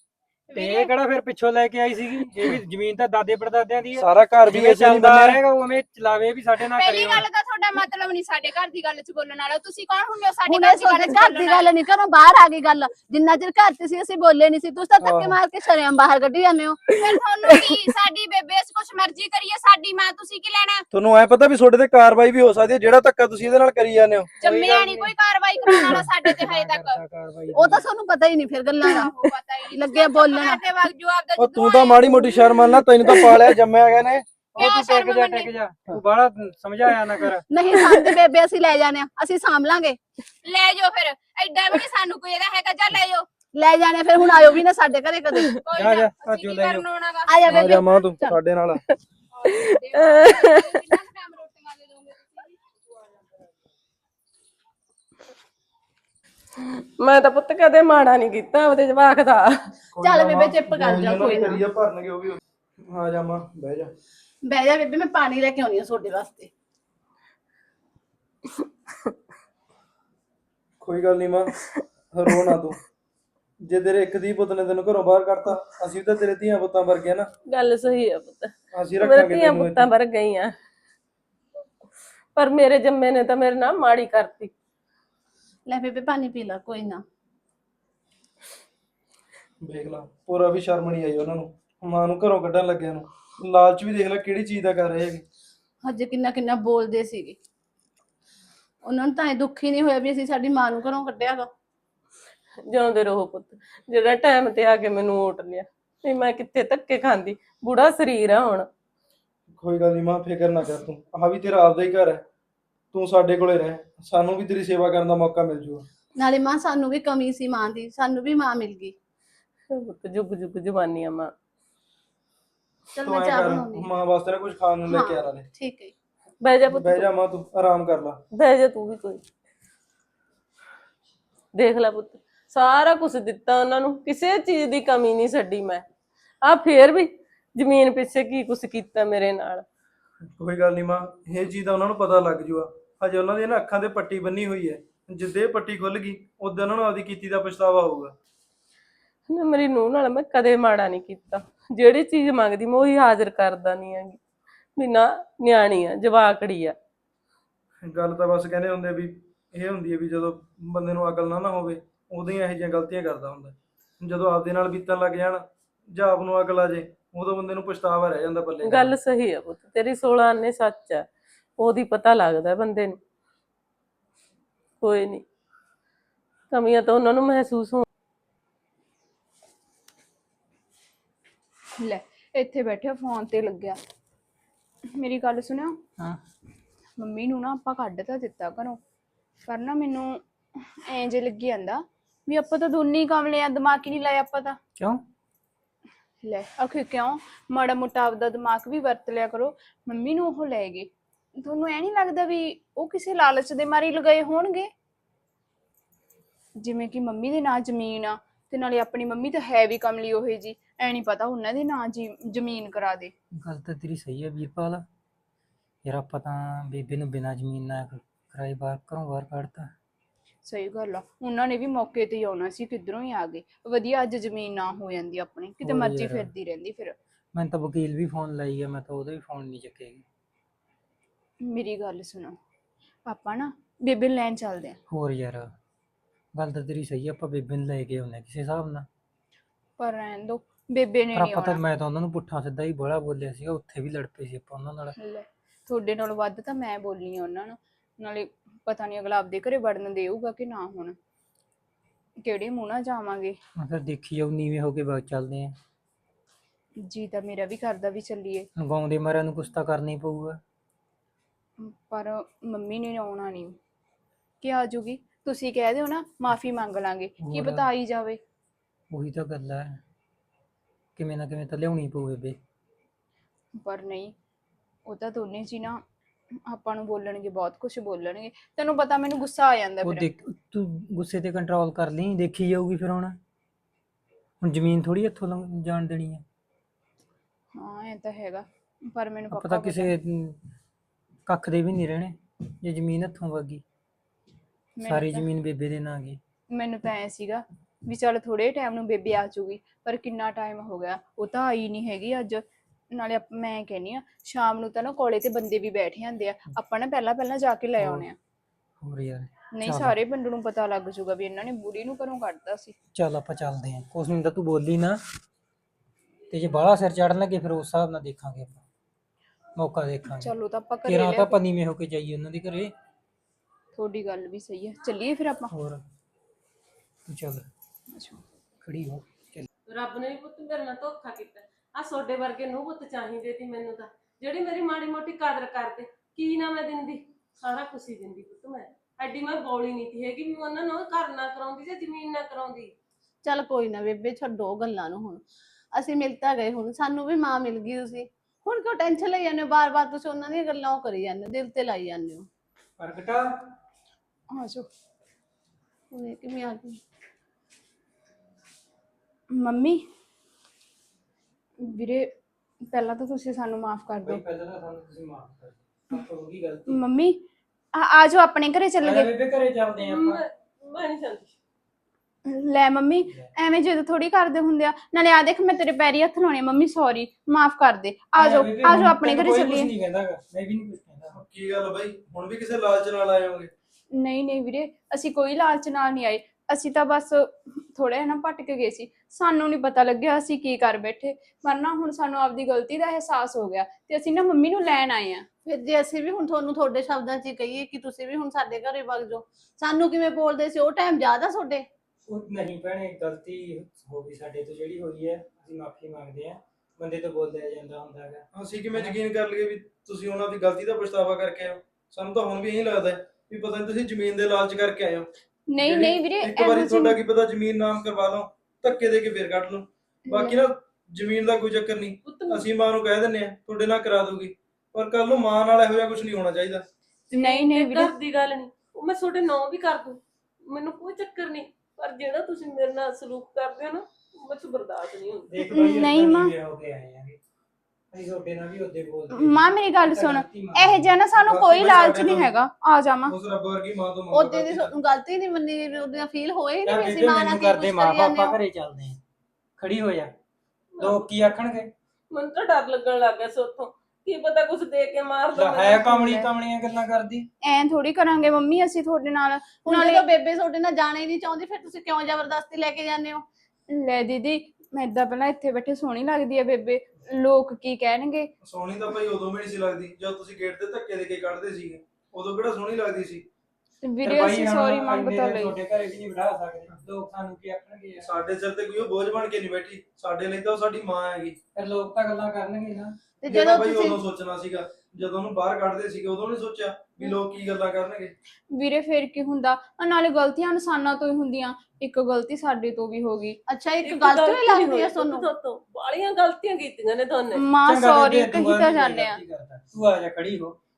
Speaker 2: ਤੇ ਇਹ ਕਿਹੜਾ ਫਿਰ ਪਿੱਛੋਂ ਲੈ ਕੇ ਆਈ ਸੀਗੀ? ਇਹ ਵੀ ਜ਼ਮੀਨ ਤਾਂ ਦਾਦੇ ਪੜਦਾਦਿਆਂ ਦੀ ਹੈ।
Speaker 1: ਸਾਰਾ ਘਰ ਵੀ
Speaker 2: ਜਿਵੇਂ
Speaker 1: ਇਸੇ ਨਹੀਂ
Speaker 2: ਚੱਲਦਾ
Speaker 1: ਬਣਿਆ।
Speaker 2: ਰਹੇਗਾ ਉਵੇਂ ਚਲਾਵੇ ਵੀ ਸਾਡੇ ਨਾਲ
Speaker 5: ਪਹਿਲੀ
Speaker 2: ਕਰੇ।
Speaker 5: ਗੱਲ ਤਾਂ ਤੁਹਾਡਾ ਮਤਲਬ ਨਹੀਂ ਸਾਡੇ ਘਰ ਦੀ ਗੱਲ 'ਚ ਬੋਲਣ ਵਾਲਾ। ਤੁਸੀਂ ਕੌਣ ਹੁੰਦੇ ਹੋ ਸਾਡੇ
Speaker 3: ਹੁਣ
Speaker 5: ਘਰ
Speaker 3: ਇਹ
Speaker 5: ਦੀ ਗੱਲ
Speaker 3: ਤੁਹਾਡੇ
Speaker 5: 'ਚ
Speaker 3: ਘਰ
Speaker 5: ਬੋਲਣ
Speaker 3: ਦੀ
Speaker 5: ਵਾਲੇ?
Speaker 3: ਗੱਲ ਨਹੀਂ, ਘਰੋਂ ਬਾਹਰ ਆ ਗਈ ਗੱਲ। ਜਿੰਨਾ ਚਿਰ ਘਰ 'ਚ ਸੀ ਅਸੀਂ ਬੋਲੇ ਨਹੀਂ ਸੀ, ਤੁਸੀਂ ਤਾਂ ਧੱਕੇ
Speaker 1: ਆਹੋ।
Speaker 3: ਮਾਰ ਕੇ ਸ਼ਰੇਆਮ ਬਾਹਰ ਕੱਢੀ ਜਾਂਦੇ ਹੋ।
Speaker 5: ਫਿਰ ਤੁਹਾਨੂੰ ਕੀ, ਸਾਡੀ ਬੇਬੇ ਅਸੀਂ ਕੁਛ ਮਰਜ਼ੀ ਕਰੀਏ, ਸਾਡੀ ਮਾਂ ਤੁਸੀਂ ਕੀ ਲੈਣਾ?
Speaker 1: ਤੁਹਾਨੂੰ ਐ ਪਤਾ ਵੀ ਤੁਹਾਡੇ ਤੇ ਕਾਰਵਾਈ ਵੀ ਹੋ ਸਕਦੀ ਹੈ ਜਿਹੜਾ ਧੱਕਾ ਤੁਸੀਂ ਇਹਦੇ ਨਾਲ ਕਰੀ ਜਾਂਦੇ ਹੋ।
Speaker 5: ਜੰਮਿਆ ਨਹੀਂ ਕੋਈ ਕਾਰਵਾਈ ਕਰਾਉਣ ਵਾਲਾ ਸਾਡੇ ਤੇ ਹਜੇ ਤੱਕ।
Speaker 3: ਉਹ ਤਾਂ ਤੁਹਾਨੂੰ ਪਤਾ ਹੀ ਨਹੀਂ ਫਿਰ ਗੱਲਾਂ ਦਾ।
Speaker 5: ਉਹ ਪਤਾ ਹੀ ਨਹੀਂ
Speaker 3: ਲੱਗੇ ਬੋਲਣ।
Speaker 5: ਤੇ ਵਗ ਜੋ ਆਪਦਾ
Speaker 1: ਉਹ
Speaker 5: ਜਿੱਦੋਂ
Speaker 1: ਤੂੰ ਤਾਂ
Speaker 5: ਆਏ
Speaker 1: ਮਾੜੀ ਮੋਟੀ ਸ਼ਰਮ ਮੰਨ ਲੈ, ਤੈਨੂੰ ਤਾਂ ਪਾਲਿਆ ਜੰਮਿਆ ਗਿਆ ਨੇ।
Speaker 2: ਉਹ ਤੂੰ ਟਿਕ ਜਾ, ਟਿਕ ਜਾ, ਤੂੰ ਬਾਹਲਾ ਸਮਝਾਇਆ ਨਾ ਕਰ।
Speaker 3: ਨਹੀਂ ਸਮਝਦੇ ਬੇਬੇ, ਅਸੀਂ ਲੈ ਜਾਣੇ ਆ, ਅਸੀਂ ਸਾਂਭ ਲਾਂਗੇ।
Speaker 5: ਲੈ ਜਾਓ ਫਿਰ, ਐਡਾ ਵੀ ਨੀ ਸਾਨੂੰ ਕੋਈ ਇਹਦਾ ਹੈਗਾ। ਜਾ ਲੈ ਜਾਓ।
Speaker 3: ਲੈ ਜਾਣੇ ਫਿਰ, ਹੁਣ ਆਇਓ ਵੀ ਨਾ ਸਾਡੇ ਘਰੇ ਕਦੇ।
Speaker 5: ਕੋਈ
Speaker 2: ਜਾ,
Speaker 5: ਨਾ,
Speaker 2: ਜਾ,
Speaker 5: ਅਸੀਂ
Speaker 2: ਭੱਜੋ,
Speaker 5: ਕੀ
Speaker 2: ਲੈ ਜਾਓ।
Speaker 5: ਕਰਨ ਆਉਣਾਗਾ।
Speaker 3: ਆ ਜਾ
Speaker 1: ਆ
Speaker 3: ਬੇਬੇ।
Speaker 1: ਜਾ ਮਾਂ ਤੂੰ ਸਾਡੇ ਨਾਲ।
Speaker 5: ਕਿੰਨਾ ਕੁ ਟਾਈਮ ਰੋਟੀਆਂ ਦੇ ਦੋਗੇ ਤੁਸੀਂ?
Speaker 4: ਮੈਂ ਤਾਂ ਪੁੱਤ ਕਦੇ ਮਾੜਾ ਨਹੀਂ ਕੀਤਾ ਉਹਦੇ ਜਵਾਕ ਦਾ।
Speaker 3: ਚੱਲ ਬੇਬੇ ਚੁੱਪ ਕਰ ਜਾ, ਕੋਈ ਨਾ।
Speaker 1: ਕਰੀਏ ਭਰਨਗੇ ਉਹ ਵੀ। ਆ ਜਾ ਮਾਂ ਬਹਿ ਜਾ।
Speaker 3: ਬਹਿ ਜਾ ਬੇਬੇ, ਮੈਂ ਪਾਣੀ ਲੈ ਕੇ ਆਉਣੀ ਆ ਤੁਹਾਡੇ ਵਾਸਤੇ।
Speaker 1: ਕੋਈ ਗੱਲ ਨਹੀਂ ਮਾਂ, ਰੋ ਨਾ ਤੂੰ। ਜੇ ਤੇਰੇ ਇੱਕ ਧੀ ਪੁੱਤ ਨੇ ਤੈਨੂੰ ਘਰੋਂ ਬਾਹਰ ਕੱਢਤਾ, ਅਸੀਂ ਵੀ ਤਾਂ ਤੇਰੇ ਧੀਆਂ ਪੁੱਤਾਂ ਵਰਗੇ ਆ ਨਾ।
Speaker 4: ਗੱਲ ਸਹੀ ਹੈ ਪੁੱਤ,
Speaker 1: ਅਸੀਂ
Speaker 4: ਮੇਰੇ
Speaker 1: ਰੱਖਾਂਗੇ
Speaker 4: ਧੀਆਂ
Speaker 1: ਤੈਨੂੰ
Speaker 4: ਪੁੱਤਾਂ ਵਰ ਗਈਆਂ, ਪਰ ਮੇਰੇ ਜੰਮੇ ਨੇ ਤਾਂ ਮੇਰੇ ਨਾਲ ਮਾੜੀ ਕਰਤੀ।
Speaker 3: ਲੈ ਬੇਬੇ ਪਾਣੀ ਪੀ ਲੈ, ਕੋਈ ਨਾ।
Speaker 1: ਵੇਖ ਲਾ, ਪੂਰਾ ਵੀ ਸ਼ਰਮ ਨਹੀਂ ਆਈ ਉਹਨਾਂ ਨੂੰ ਮਾਂ ਨੂੰ ਘਰੋਂ ਕੱਢਣ ਲੱਗਿਆ ਨੂੰ। ਲਾਲਚ ਵੀ ਦੇਖ ਲੈ ਕਿਹੜੀ ਚੀਜ਼ ਦਾ ਕਰ ਰਹੇ ਹੈਗੇ।
Speaker 3: ਹਜੇ ਕਿੰਨਾ ਕਿੰਨਾ ਬੋਲਦੇ ਸੀਗੇ। ਉਹਨਾਂ ਨੂੰ ਤਾਂ ਇਹ ਦੁੱਖ ਹੀ ਨਹੀਂ ਹੋਇਆ ਵੀ ਅਸੀਂ ਸਾਡੀ ਮਾਂ ਨੂੰ ਘਰੋਂ ਕੱਢਿਆਗਾ।
Speaker 4: ਜਿਉਂਦੇ ਰਹੋ ਪੁੱਤ, ਜਿਹੜਾ ਟਾਈਮ ਤੇ ਆ ਕੇ ਮੈਨੂੰ ਓਟ ਲਿਆ, ਨਹੀਂ ਮੈਂ ਕਿੱਥੇ ਧੱਕੇ ਖਾਂਦੀ। ਬੁੜਾ ਸਰੀਰ ਆ ਹੁਣ।
Speaker 1: ਕੋਈ ਗੱਲ ਨਹੀਂ ਮਾਂ, ਫਿਕਰ ਨਾ ਕਰ ਤੂੰ। ਆਹ ਵੀ ਤੇਰਾ ਆਪਦਾ ਹੀ ਘਰ ਹੈ, ਤੂੰ ਸਾਡੇ ਕੋਲੇ ਰਹਿ, ਸਾਨੂੰ ਵੀ ਤੇਰੀ ਸੇਵਾ ਕਰਨ ਦਾ ਮੌਕਾ ਮਿਲ ਜੂਗਾ।
Speaker 3: ਨਾਲੇ ਮਾਂ ਸਾਨੂੰ ਵੀ ਕਮੀ ਸੀ ਮਾਂ ਦੀ, ਸਾਨੂੰ ਵੀ ਮਾਂ ਮਿਲ ਗਈ।
Speaker 4: ਪੁੱਤ ਜੁਗ ਜੁਗ ਜਵਾਨੀਆਂ ਮਾਂ।
Speaker 3: ਚਲ
Speaker 1: ਤੂੰ
Speaker 3: ਮੈਂ
Speaker 1: ਐਂ
Speaker 3: ਚਾਹ
Speaker 1: ਕਰ,
Speaker 3: ਬਣਾਉਂਦੀ
Speaker 1: ਮਾਂ ਵਾਸਤੇ ਨਾ ਕੁਝ ਖਾਣ ਨੂੰ ਲੈ ਕੇ ਆ ਨਾਲੇ।
Speaker 3: ਠੀਕ ਹੈ।
Speaker 4: ਬਹਿ ਜਾ ਪੁੱਤ,
Speaker 1: ਬਹਿ ਜਾ ਮਾਂ, ਤੂੰ ਆਰਾਮ ਕਰ ਲਾ।
Speaker 4: ਬਹਿ ਜਾ ਤੂੰ ਵੀ। ਕੋਈ ਦੇਖ ਲੈ ਪੁੱਤ, ਸਾਰਾ ਕੁਝ ਦਿੱਤਾ ਉਹਨਾਂ ਨੂੰ, ਕਿਸੇ ਚੀਜ਼ ਦੀ ਕਮੀ ਨਹੀਂ ਛੱਡੀ ਮੈਂ। ਆ ਫੇਰ ਵੀ ਜ਼ਮੀਨ ਪਿੱਛੇ ਕੀ ਕੁਛ ਕੀਤਾ ਮੇਰੇ ਨਾਲ।
Speaker 1: ਕੋਈ ਗੱਲ ਨਹੀਂ ਮਾਂ, ਇਹ ਚੀਜ਼ ਦਾ ਉਹਨਾਂ ਨੂੰ ਪਤਾ ਲੱਗ ਜੂਗਾ। ਹਜੇ ਉਹਨਾਂ ਦੀਆਂ ਨਾ ਅੱਖਾਂ ਤੇ ਪੱਟੀ ਬੰਨੀ ਹੋਈ ਹੈ, ਜਿੱਦੇ ਇਹ ਪੱਟੀ ਖੁੱਲ ਗਈ ਉਦੋਂ ਉਹਨਾਂ ਨੂੰ ਆਪਦੀ ਕੀਤੀ ਦਾ ਪਛਤਾਵਾ ਹੋਊਗਾ।
Speaker 4: ਨਾ ਮੇਰੀ ਨੂੰਹ ਨਾਲ ਮੈਂ ਕਦੇ ਮਾੜਾ ਨਹੀਂ ਕੀਤਾ, ਜਿਹੜੀ ਚੀਜ਼ ਮੰਗਦੀ ਮੈਂ ਉਹੀ ਹਾਜ਼ਰ ਕਰਦਾ ਨਹੀਂ ਹੈਗੀ। ਵੀ ਨਾ ਨਿਆਣੀ ਆ, ਜਵਾਕੜੀ ਆ।
Speaker 1: ਗੱਲ ਤਾਂ ਬਸ ਕਹਿੰਦੇ ਹੁੰਦੇ ਵੀ ਇਹ ਹੁੰਦੀ ਹੈ ਵੀ ਜਦੋਂ ਬੰਦੇ ਨੂੰ ਅਕਲ ਨਾ ਹੋਵੇ ਉਦੋਂ ਹੀ ਇਹੋ ਜਿਹੀਆਂ ਗਲਤੀਆਂ ਕਰਦਾ ਹੁੰਦਾ। ਜਦੋਂ ਆਪਦੇ ਨਾਲ ਬੀਤਣ ਲੱਗ ਜਾਣ ਜਾਂ ਆਪ ਨੂੰ ਅਕਲ ਆ ਜੇ, ਉਦੋਂ ਬੰਦੇ ਨੂੰ ਪਛਤਾਵਾ ਰਹਿ ਜਾਂਦਾ ਪੱਲੇ।
Speaker 4: ਗੱਲ ਸਹੀ ਆ ਪੁੱਤ ਤੇਰੀ, 16 ਆਨੇ ਸੱਚ ਆ। ਉਹਦੀ ਪਤਾ ਲੱਗਦਾ ਬੰਦੇ ਨੂੰ। ਕੋਈ ਨਹੀਂ, ਕਮੀਆਂ ਤਾਂ ਉਹਨਾਂ ਨੂੰ ਮਹਿਸੂਸ ਹੋ।
Speaker 6: ਲੈ ਇੱਥੇ ਬੈਠੇ ਫੋਨ ਤੇ ਲੱਗਿਆ। ਮੇਰੀ ਗੱਲ ਸੁਣਿਓ।
Speaker 2: ਹਾਂ।
Speaker 6: ਮੰਮੀ ਨੂੰ ਨਾ ਆਪਾਂ ਕੱਢ ਤਾਂ ਦਿੱਤਾ ਘਰੋਂ, ਪਰ ਨਾ ਮੈਨੂੰ ਐਂ ਜੇ ਲੱਗੀ ਜਾਂਦਾ ਵੀ ਆਪਾਂ ਤਾਂ ਦੋਨੇ ਹੀ ਕਮਲੇ ਆ, ਦਿਮਾਗ ਹੀ ਨਹੀਂ ਲਾਇਆ ਆਪਾਂ ਤਾਂ।
Speaker 2: ਕਿਉਂ?
Speaker 6: ਲੈ ਆਖੇ ਕਿਉਂ, ਮਾੜਾ ਮੋਟਾ ਆਪਦਾ ਦਿਮਾਗ ਵੀ ਵਰਤ ਲਿਆ ਕਰੋ। ਮੰਮੀ ਨੂੰ ਉਹ ਲੈ ਗਏ, ਤੁਹਾਨੂੰ ਐ ਨਹੀਂ ਲੱਗਦਾ ਵੀ ਉਹ ਕਿਸੇ ਲਾਲਚ ਦੇ ਮਾਰੇ ਲਗਾਏ ਹੋਣਗੇ? ਜਿਵੇਂ ਕਿ ਮੰਮੀ ਦੇ ਨਾਂ ਜ਼ਮੀਨ ਆ, ਤੇ ਨਾਲੇ ਆਪਣੀ ਮੰਮੀ ਤਾਂ ਹੈ ਵੀ ਕਮਲੀ ਉਹੇ ਜੀ, ਐ ਨਹੀਂ ਪਤਾ ਉਹਨਾਂ ਦੇ ਨਾਂ ਜੀ ਜ਼ਮੀਨ ਕਰਾ ਦੇ।
Speaker 2: ਗੱਲ ਤਾਂ ਤੇਰੀ ਸਹੀ ਹੈ ਵੀਰਪਾਲ। ਯਾਰ ਆਪਾਂ ਤਾਂ ਬੇਬੇ ਨੂੰ ਬਿਨਾਂ ਜ਼ਮੀਨ ਨਾ ਕਰਾਏ ਘਰੋਂ ਬਾਹਰ ਕੱਢਤਾ।
Speaker 6: ਸਹੀ ਗੱਲ ਆ, ਉਹਨਾਂ ਨੇ ਵੀ ਮੌਕੇ ਤੇ ਹੀ ਆਉਣਾ ਸੀ, ਕਿੱਧਰੋਂ ਹੀ ਆ ਗਏ। ਵਧੀਆ, ਅੱਜ ਜ਼ਮੀਨ ਨਾ ਹੋ ਜਾਂਦੀ ਆਪਣੀ, ਕਿਤੇ
Speaker 2: ਹੋਰ
Speaker 6: ਮਰਜ਼ੀ
Speaker 2: ਯਾਰ।
Speaker 6: ਫਿਰਦੀ ਰਹਿੰਦੀ ਫਿਰ।
Speaker 2: ਮੈਨੂੰ ਤਾਂ ਵਕੀਲ ਵੀ ਫੋਨ ਲਾਈ ਗਿਆ, ਮੈਂ ਤਾਂ ਉਹਦਾ ਵੀ ਫੋਨ ਨਹੀਂ ਚੱਕੇਗੀ।
Speaker 6: ਮੇਰੀ ਗੱਲ ਸੁਣੋ, ਆਪਾਂ ਨਾ ਬੇਬੇ ਨੂੰ ਲੈਣ ਚੱਲਦੇ ਆ।
Speaker 2: ਹੋਰ ਯਾਰ, ਗੱਲ ਤਾਂ ਤੇਰੀ ਸਹੀ ਆ, ਆਪਾਂ ਬੇਬੇ ਨੂੰ ਲੈ ਕੇ ਆਉਂਦੇ ਕਿਸੇ ਹਿਸਾਬ ਨਾਲ।
Speaker 6: ਪਰ ਰਹਿਣ ਦੋ, ਬੇਬੇ ਨੇ
Speaker 2: ਪਰ
Speaker 6: ਨਹੀਂ
Speaker 2: ਆਪਾਂ ਤਾਂ
Speaker 6: ਆਉਣਾ।
Speaker 2: ਮੈਂ ਤਾਂ ਉਹਨਾਂ ਨੂੰ ਪੁੱਠਾ ਸਿੱਧਾ ਹੀ ਬੜਾ ਬੋਲਿਆ ਸੀਗਾ, ਉੱਥੇ ਵੀ ਲੜ ਪਏ ਸੀ ਆਪਾਂ ਉਹਨਾਂ ਨਾਲ।
Speaker 6: ਲੈ, ਤੁਹਾਡੇ ਨਾਲੋਂ ਵੱਧ ਤਾਂ ਮੈਂ ਬੋਲੀ ਆ ਉਹਨਾਂ ਨੂੰ। ਨਾਲੇ ਪਤਾ ਨਹੀਂ ਅਗਲਾ ਆਪਦੇ ਘਰੇ ਵੜਨ ਦੇਊਗਾ ਕਿ ਨਾ। ਹੁਣ ਕਿਹੜੇ ਮੂੰਹ ਨਾਲ ਜਾਵਾਂਗੇ?
Speaker 2: ਮੈਂ ਫਿਰ ਦੇਖੀ ਜਾਊ, ਨੀਵੇਂ ਹੋ ਕੇ ਬਾਅਦ ਚੱਲਦੇ ਆ।
Speaker 6: ਜੀ ਤਾਂ ਮੇਰਾ ਵੀ ਕਰਦਾ ਵੀ ਚੱਲੀਏ,
Speaker 2: ਹੁਣ ਗਾਉਂਦੇ ਮਾਰਿਆਂ ਨੂੰ ਕੁਛ ਤਾਂ ਕਰਨਾ ਹੀ ਪਊਗਾ।
Speaker 6: ਪਰ ਮੰਮੀ ਨੇ ਆਉਣਾ ਨਹੀਂ। ਕਿ ਆ ਜੂਗੀ? ਤੁਸੀਂ ਕਹਿ ਦਿਓ ਨਾ, ਮਾਫੀ ਮੰਗ ਲਾਂਗੇ, ਕੀ
Speaker 2: ਹੋਰ।
Speaker 6: ਪਤਾ ਆਈ ਜਾਵੇ।
Speaker 2: ਉਹੀ ਤਾਂ ਗੱਲ ਹੈ, ਕਿਵੇਂ ਨਾ ਕਿਵੇਂ ਤਾਂ ਲਿਆਉਣੀ ਪਊ ਬੇਬੇ।
Speaker 6: ਪਰ ਨਹੀਂ, ਉਹ ਤਾਂ ਦੋਨੇ ਜੀ ਨਾ ਆਪਾਂ ਨੂੰ ਬੋਲਣਗੇ, ਬਹੁਤ ਕੁਝ ਬੋਲਣਗੇ। ਤੈਨੂੰ ਪਤਾ ਮੈਨੂੰ ਗੁੱਸਾ ਆ ਜਾਂਦਾ
Speaker 2: ਉਹ
Speaker 6: ਫਿਰ।
Speaker 2: ਦੇਖ, ਤੂੰ ਗੁੱਸੇ ਤੇ ਕੰਟਰੋਲ ਕਰ ਲਈ, ਦੇਖੀ ਜਾਊਗੀ ਫਿਰ। ਹੁਣ ਜ਼ਮੀਨ ਥੋੜੀ ਇੱਥੋਂ ਜਾਣ ਦੇਣੀ ਹੈ।
Speaker 6: ਹਾਂ ਇਹ ਤਾਂ ਹੈਗਾ, ਪਰ ਮੈਨੂੰ
Speaker 2: ਆਪਾਂ
Speaker 6: ਪੱਕਾ
Speaker 2: ਤਾਂ
Speaker 6: ਪਤਾ।
Speaker 2: ਕਿਸੇ ਕੱਖ ਦੇ ਵੀ ਨਹੀਂ ਰਹਿਣੇ ਜੇ ਜ਼ਮੀਨ ਹੱਥੋਂ ਵਗੀ। ਸਾਰੀ ਜ਼ਮੀਨ ਬੇਬੇ ਦੇ ਨਾਂ ਗਈ।
Speaker 6: ਮੈਨੂੰ ਤਾਂ ਐ ਸੀਗਾ ਵੀ ਚੱਲ ਥੋੜੇ ਟਾਈਮ ਨੂੰ ਬੇਬੇ ਆ ਜਾਊਗੀ, ਪਰ ਕਿੰਨਾ ਟਾਈਮ ਹੋ ਗਿਆ, ਉਹ ਤਾਂ ਆਈ ਨਹੀਂ ਹੈਗੀ ਅੱਜ। ਨਾਲੇ ਮੈਂ ਕਹਿੰਨੀ ਆ, ਸ਼ਾਮ ਨੂੰ ਤਾਂ ਨਾ ਕੋਲੇ ਤੇ ਬੰਦੇ ਵੀ ਬੈਠੇ ਜਾਂਦੇ ਆ, ਆਪਾਂ ਨਾ ਪਹਿਲਾਂ ਪਹਿਲਾਂ ਜਾ ਕੇ ਲੈ ਆਉਣੇ ਆ।
Speaker 2: ਹੋਰ ਯਾਰ,
Speaker 6: ਨਹੀਂ
Speaker 2: ਚੱਲ।
Speaker 6: ਸਾਰੇ ਪਿੰਡ ਨੂੰ ਪਤਾ ਲੱਗ ਜਾਊਗਾ ਵੀ ਇਹਨਾਂ ਨੇ ਬੁੜੀ ਨੂੰ ਘਰੋਂ ਕੱਢਤਾ ਸੀ।
Speaker 2: ਚੱਲ ਆਪਾਂ ਚੱਲਦੇ ਆਂ, ਕੁਛ ਨਹੀਂ ਤਾਂ ਤੂੰ ਬੋਲੀ ਨਾ। ਤੇ ਜੇ ਬਾਹਲਾ ਸਿਰ ਚੜਨ ਲੱਗੇ ਫਿਰ ਉਸ ਹਿਸਾਬ ਨਾਲ ਦੇਖਾਂਗੇ ਆਪਾਂ, ਮੌਕਾ ਦੇਖਾਂਗੇ।
Speaker 6: ਚਲੋ ਤਾਂ ਆਪਾਂ ਘਰੇ
Speaker 2: ਕਿਰਾਂ
Speaker 6: ਲੈ
Speaker 2: ਤਾਂ
Speaker 6: ਕੇ-
Speaker 2: ਆਪਾਂ ਨੀਵੇਂ ਹੋ ਕੇ ਜਾਈਏ ਉਹਨਾਂ ਦੇ ਘਰੇ।
Speaker 6: ਤੁਹਾਡੀ ਗੱਲ ਵੀ ਸਹੀ ਹੈ, ਚੱਲੀਏ ਫਿਰ ਆਪਾਂ।
Speaker 2: ਹੋਰ ਤੂੰ ਚੱਲ, ਖੜੀ ਹੋ, ਚੱਲ।
Speaker 4: ਰੱਬ ਨੇ ਵੀ ਪੁੱਤ ਮੇਰੇ ਨਾਲ ਧੋਖਾ ਕੀਤਾ। ਆ ਸੋਡੇ ਵਰਗੇ ਨੂੰ ਪੁੱਤ ਚਾਹੀਦੇ ਸੀ ਮੈਨੂੰ ਤਾਂ, ਜਿਹੜੀ ਮੇਰੀ ਮਾੜੀ ਮੋਟੀ ਕਦਰ ਕਰਦੇ। ਕੀ ਨਾ ਮੈਂ ਦਿੰਦੀ, ਸਾਰਾ ਕੁਛ ਹੀ ਦਿੰਦੀ ਪੁੱਤ ਮੈਂ। ਐਡੀ ਮੈਂ ਬੌਲੀ ਨਹੀਂ ਸੀ ਹੈਗੀ ਵੀ ਉਹਨਾਂ ਨੂੰ ਘਰ ਨਾ ਕਰਾਉਂਦੀ ਜਾਂ ਜ਼ਮੀਨ ਨਾ ਕਰਾਉਂਦੀ।
Speaker 3: ਚੱਲ ਕੋਈ ਨਾ ਬੇਬੇ, ਛੱਡੋ ਗੱਲਾਂ ਨੂੰ। ਹੁਣ ਅਸੀਂ ਮਿਲ ਤਾਂ ਗਏ, ਹੁਣ ਸਾਨੂੰ ਵੀ ਮਾਂ ਮਿਲ ਗਈ। ਤੁਸੀਂ ਹੁਣ ਕਿਉਂ ਟੈਨਸ਼ਨ ਲਈ ਜਾਂਦੇ ਹੋ? ਬਾਰ-ਬਾਰ ਤੁਸੀਂ ਉਹਨਾਂ ਦੀਆਂ ਗੱਲਾਂ ਉਹ ਕਰੀ ਜਾਂਦੇ ਹੋ, ਦਿਲ ਤੇ ਲਾਈ ਜਾਂਦੇ ਹੋ।
Speaker 2: ਪ੍ਰਗਟਾ,
Speaker 6: ਆ ਜਾਓ।
Speaker 3: ਉਹ ਕਿਵੇਂ ਆ ਗਈ?
Speaker 6: ਮੰਮੀ, ਵੀਰੇ, ਪਹਿਲਾਂ ਤਾਂ ਤੁਸੀਂ ਸਾਨੂੰ ਮਾਫ ਕਰ
Speaker 2: ਬਈ
Speaker 6: ਦਿਓ।
Speaker 2: ਪਹਿਲਾਂ ਤਾਂ ਸਾਨੂੰ ਤੁਸੀਂ ਮਾਫ ਕਰ ਦਿਓ, ਆਪਾਂ ਹੋ ਗਈ ਗਲਤੀ।
Speaker 6: ਮੰਮੀ, ਆ ਜਾਓ, ਆਪਣੇ ਘਰੇ ਚੱਲ
Speaker 2: ਆਜਾ
Speaker 6: ਗਏ।
Speaker 2: ਬੇਬੇ, ਘਰੇ ਚੱਲਦੇ ਆਂ ਆਪਾਂ।
Speaker 4: ਮੈਂ ਨਹੀਂ ਚਾਹੁੰਦੀ।
Speaker 6: ਲੈ ਮੰਮੀ, ਐਵੇਂ ਜਿੱਦ ਥੋੜੀ ਕਰਦੇ ਹੁੰਦੇ ਆ। ਨਾਲੇ ਆ ਦੇਖ, ਮੈਂ ਤੇਰੇ ਪੈਰੀ ਹੱਥ ਲਾਉਣੇ ਆ। ਮੰਮੀ ਸੌਰੀ, ਮਾਫ ਕਰ ਦੇ। ਆ ਜਾਓ,
Speaker 2: ਬੇਬੇ,
Speaker 6: ਆ ਜਾਓ,
Speaker 2: ਹੁਣ
Speaker 6: ਆਪਣੇ
Speaker 2: ਤੈਨੂੰ
Speaker 6: ਘਰੇ
Speaker 2: ਕੋਈ ਕੁਛ
Speaker 6: ਚੱਲੀਏ।
Speaker 2: ਨਹੀਂ ਕਹਿੰਦਾ ਗਾ, ਮੈਂ ਵੀ ਨਹੀਂ ਕੁਛ ਕਹਿੰਦਾ।
Speaker 1: ਕੀ ਗੱਲ ਬਾਈ, ਹੁਣ ਵੀ ਕਿਸੇ ਲਾਲਚ ਨਾਲ ਆਏ ਹੋਗੇ?
Speaker 6: ਨਹੀਂ ਨਹੀਂ ਵੀਰੇ, ਅਸੀਂ ਕੋਈ ਲਾਲਚ ਨਾਲ ਨਹੀਂ ਆਏ। ਅਸੀਂ ਤਾਂ ਬਸ ਥੋੜਾ ਨਾ ਭਟਕ ਗਏ ਸੀ, ਸਾਨੂੰ ਨਹੀਂ ਪਤਾ ਲੱਗਿਆ ਅਸੀਂ ਕੀ ਕਰ ਬੈਠੇ। ਪਰ ਨਾ ਹੁਣ ਸਾਨੂੰ ਆਪਦੀ ਗਲਤੀ ਦਾ ਅਹਿਸਾਸ ਹੋ ਗਿਆ, ਤੇ ਅਸੀਂ ਨਾ ਮੰਮੀ ਨੂੰ ਲੈਣ ਆਏ ਆ।
Speaker 3: ਫਿਰ ਜੇ ਅਸੀਂ ਵੀ ਹੁਣ ਤੁਹਾਨੂੰ ਤੁਹਾਡੇ ਸ਼ਬਦਾਂ 'ਚ ਹੀ ਕਹੀਏ ਕਿ ਤੁਸੀਂ ਵੀ ਹੁਣ ਸਾਡੇ ਘਰੇ ਵਗ ਜਾਓ, ਸਾਨੂੰ ਕਿਵੇਂ ਬੋਲਦੇ ਸੀ? ਉਹ ਟਾਈਮ ਯਾਦ ਆ ਤੁਹਾਡੇ?
Speaker 2: ਉਹ ਨਹੀਂ ਭੈਣੇ, ਗਲਤੀ ਹੋ ਗਈ ਸਾਡੇ ਤੋਂ ਜਿਹੜੀ ਹੋਈ ਹੈ, ਅਸੀਂ ਮਾਫੀ ਮੰਗਦੇ ਆਂ। ਬੰਦੇ ਤੋਂ ਬੋਲਿਆ ਜਾਂਦਾ ਹੁੰਦਾ ਹੈਗਾ।
Speaker 1: ਅਸੀਂ ਕਿਵੇਂ ਯਕੀਨ ਕਰ ਲਈਏ ਵੀ ਤੁਸੀਂ ਉਹਨਾਂ ਦੀ ਗਲਤੀ ਦਾ ਪਛਤਾਵਾ ਕਰਕੇ ਆਏ ਹੋ? ਸਾਨੂੰ ਤਾਂ ਹੁਣ ਵੀ ਇਹੀ ਲੱਗਦਾ ਹੈ ਵੀ ਪਤਾ ਨਹੀਂ ਤੁਸੀਂ ਜ਼ਮੀਨ ਦੇ ਲਾਲਚ ਕਰਕੇ ਆਏ ਹੋ।
Speaker 6: ਨਹੀਂ ਨਹੀਂ ਵੀਰੇ,
Speaker 1: ਇੱਕ ਵਾਰੀ ਤੁਹਾਡਾ ਕੀ ਪਤਾ ਜ਼ਮੀਨ ਨਾਮ ਕਰਵਾ ਲਓ, ਧੱਕੇ ਦੇ ਕੇ ਫੇਰ ਕੱਢ ਲਓ। ਬਾਕੀ ਨਾ ਜ਼ਮੀਨ ਦਾ ਕੋਈ ਚੱਕਰ ਨਹੀਂ, ਅਸੀਂ ਮਾਂ ਨੂੰ ਕਹਿ ਦਿੰਨੇ ਆ ਤੁਹਾਡੇ ਨਾਲ ਕਰਾ ਦੂਗੀ, ਪਰ ਕੱਲ ਨੂੰ ਮਾਂ ਨਾਲ ਇਹੋ ਜਿਹਾ ਕੁਝ ਨਹੀਂ ਹੋਣਾ ਚਾਹੀਦਾ।
Speaker 6: ਨਹੀਂ ਨਹੀਂ ਵੀਰੇ,
Speaker 4: ਘਰ ਦੀ ਗੱਲ ਨਹੀਂ, ਉਹ ਮੈਂ ਤੁਹਾਡੇ ਨਾਂ ਵੀ ਕਰ ਦੂੰ, ਮੈਨੂੰ ਕੋਈ ਚੱਕਰ ਨਹੀਂ। ਪਰ ਜਿਹੜਾ ਤੁਸੀਂ ਮੇਰੇ ਨਾਲ ਸਲੂਕ ਕਰਦੇ ਹੋ ਨਾ, ਮੈਂ ਤੋਂ ਬਰਦਾਸ਼ਤ ਨਹੀਂ ਹੁੰਦੀ।
Speaker 2: ਦੇਖ ਬਾਈ,
Speaker 6: ਨਹੀਂ ਮਾਂ।
Speaker 2: ਹੋ ਕੇ ਆਏ ਆਂਗੇ ਅਸੀਂ, ਤੁਹਾਡੇ ਨਾਲ ਵੀ ਉਹਦੇ ਬੋਲਦੇ।
Speaker 6: ਮਾਂ ਮੇਰੀ ਗੱਲ ਸੁਣ, ਇਹ ਜਿਹਾ ਨਾ ਸਾਨੂੰ ਕੋਈ ਲਾਲਚ ਨਹੀਂ ਹੈਗਾ। ਆ ਜਾ ਮਾਂ।
Speaker 1: ਉਸ ਰੱਬ ਵਰਗੀ ਮਾਂ ਤੋਂ
Speaker 3: ਉਹਦੇ ਦੀ ਤੁਹਾਨੂੰ ਗਲਤੀ ਨਹੀਂ ਮੰਨੀ, ਉਹਦੀਆਂ ਫੀਲ ਹੋਏ ਨਹੀਂ ਵੀ ਅਸੀਂ ਮਾਂ ਨਾਲ ਕੀ
Speaker 2: ਕਰਦੇ
Speaker 3: ਕੁਝ
Speaker 2: ਮਾਂ
Speaker 3: ਕਰੀ ਜਾਂਦੇ
Speaker 2: ਪਾਪਾ
Speaker 3: ਹੋ।
Speaker 2: ਘਰੇ ਚੱਲਦੇ ਆਂ, ਖੜੀ ਹੋ ਜਾ। ਲੋਕ ਕੀ ਆਖਣਗੇ?
Speaker 4: ਮੈਨੂੰ ਤਾਂ ਡਰ ਲੱਗਣ ਲੱਗ ਗਿਆ ਸੋਥੋਂ, ਕੀ ਪਤਾ ਕੁਝ ਦੇ ਕੇ ਮਾਰ ਦੋ।
Speaker 2: ਹੈ ਕਮਲੀ ਕਮਲੀਆਂ ਗੱਲਾਂ ਕਰਦੀ।
Speaker 6: ਐਂ ਥੋੜੀ ਕਰਾਂਗੇ ਮੰਮੀ ਅਸੀਂ ਤੁਹਾਡੇ ਨਾਲ।
Speaker 3: ਹੁਣ ਜਦੋਂ ਬੇਬੇ ਤੁਹਾਡੇ ਨਾਲ ਜਾਣਾ ਹੀ ਨਹੀਂ ਚਾਹੁੰਦੀ, ਫਿਰ ਤੁਸੀਂ ਕਿਉਂ ਜ਼ਬਰਦਸਤੀ ਲੈ ਕੇ ਜਾਂਦੇ ਹੋ?
Speaker 6: ਲੈ ਦੀਦੀ, ਮੈਂ ਏਦਾਂ ਪਹਿਲਾਂ ਇੱਥੇ ਬੈਠੇ ਸੋਹਣੀ ਲੱਗਦੀ ਆ ਬੇਬੇ, ਲੋਕ ਕੀ ਕਹਿਣਗੇ?
Speaker 1: ਸੋਹਣੀ ਤਾਂ ਭਾਈ ਉਦੋਂ ਵੀ ਨਹੀਂ ਸੀ ਲੱਗਦੀ ਜਦੋਂ ਤੁਸੀਂ ਗੇਟ ਤੇ ਧੱਕੇ ਦੇ ਕੇ ਕੱਢਦੇ ਸੀਗੇ, ਉਦੋਂ ਕਿਹੜਾ ਸੋਹਣੀ ਲੱਗਦੀ ਸੀ।
Speaker 6: ਵੀਰੇ ਅਸੀਂ ਸੌਰੀ ਮੰਗ ਤਾਂ ਲਈ।
Speaker 2: ਤੁਹਾਡੇ ਘਰੇ ਵੀ ਨਹੀਂ ਬਿਠਾ ਸਕਦੇ, ਲੋਕ ਸਾਨੂੰ ਕੀ ਆਖਣਗੇ ਯਾਰ?
Speaker 1: ਸਾਡੇ ਸਿਰ ਤੇ ਕੋਈ ਉਹ ਬੋਝ ਬਣ ਕੇ ਨਹੀਂ ਬੈਠੀ, ਸਾਡੇ ਲਈ ਤਾਂ ਉਹ ਸਾਡੀ ਮਾਂ ਹੈਗੀ।
Speaker 2: ਫਿਰ ਲੋਕ ਤਾਂ ਗੱਲਾਂ ਕਰਨਗੇ ਨਾ।
Speaker 3: ਤੇ
Speaker 1: ਜਦੋਂ
Speaker 3: ਜਦੋਂ
Speaker 1: ਭਾਈ
Speaker 3: ਤੁਸੀਂ
Speaker 1: ਉਦੋਂ ਸੋਚਣਾ ਸੀਗਾ, ਜਦੋਂ ਉਹਨੂੰ ਬਾਹਰ ਕੱਢਦੇ ਸੀਗੇ ਉਦੋਂ ਨਹੀਂ ਸੋਚਿਆ ਵੀ ਲੋਕ ਕੀ ਗੱਲਾਂ ਕਰਨਗੇ।
Speaker 6: ਵੀਰੇ ਫੇਰ ਕੀ ਹੁੰਦਾ, ਨਾਲੇ ਗਲਤੀਆਂ ਇਨਸਾਨਾਂ ਤੋਂ ਹੀ ਹੁੰਦੀਆਂ, ਇੱਕ ਗਲਤੀ ਸਾਡੇ ਤੋਂ ਵੀ ਹੋ ਗਈ।
Speaker 3: ਅੱਛਾ, ਇੱਕ ਗਲਤ ਵੀ ਲੱਗਦੀ ਹੈ ਤੁਹਾਨੂੰ?
Speaker 4: ਬਾਲੀਆਂ ਗਲਤੀਆਂ ਕੀਤੀਆਂ ਨੇ ਤੁਹਾਨੂੰ।
Speaker 6: ਮਾਂ
Speaker 2: ਚੰਗਾ
Speaker 6: ਸੌਰੀ
Speaker 2: ਬੇਬੇ,
Speaker 6: ਕਹੀ
Speaker 2: ਤੂੰ
Speaker 6: ਤਾਂ
Speaker 2: ਐਵੇਂ
Speaker 6: ਜਾਂਦੇ ਆ।
Speaker 2: ਗਲਤੀ ਕਰਦਾ। ਤੂੰ ਆ ਜਾ, ਖੜੀ ਹੋ।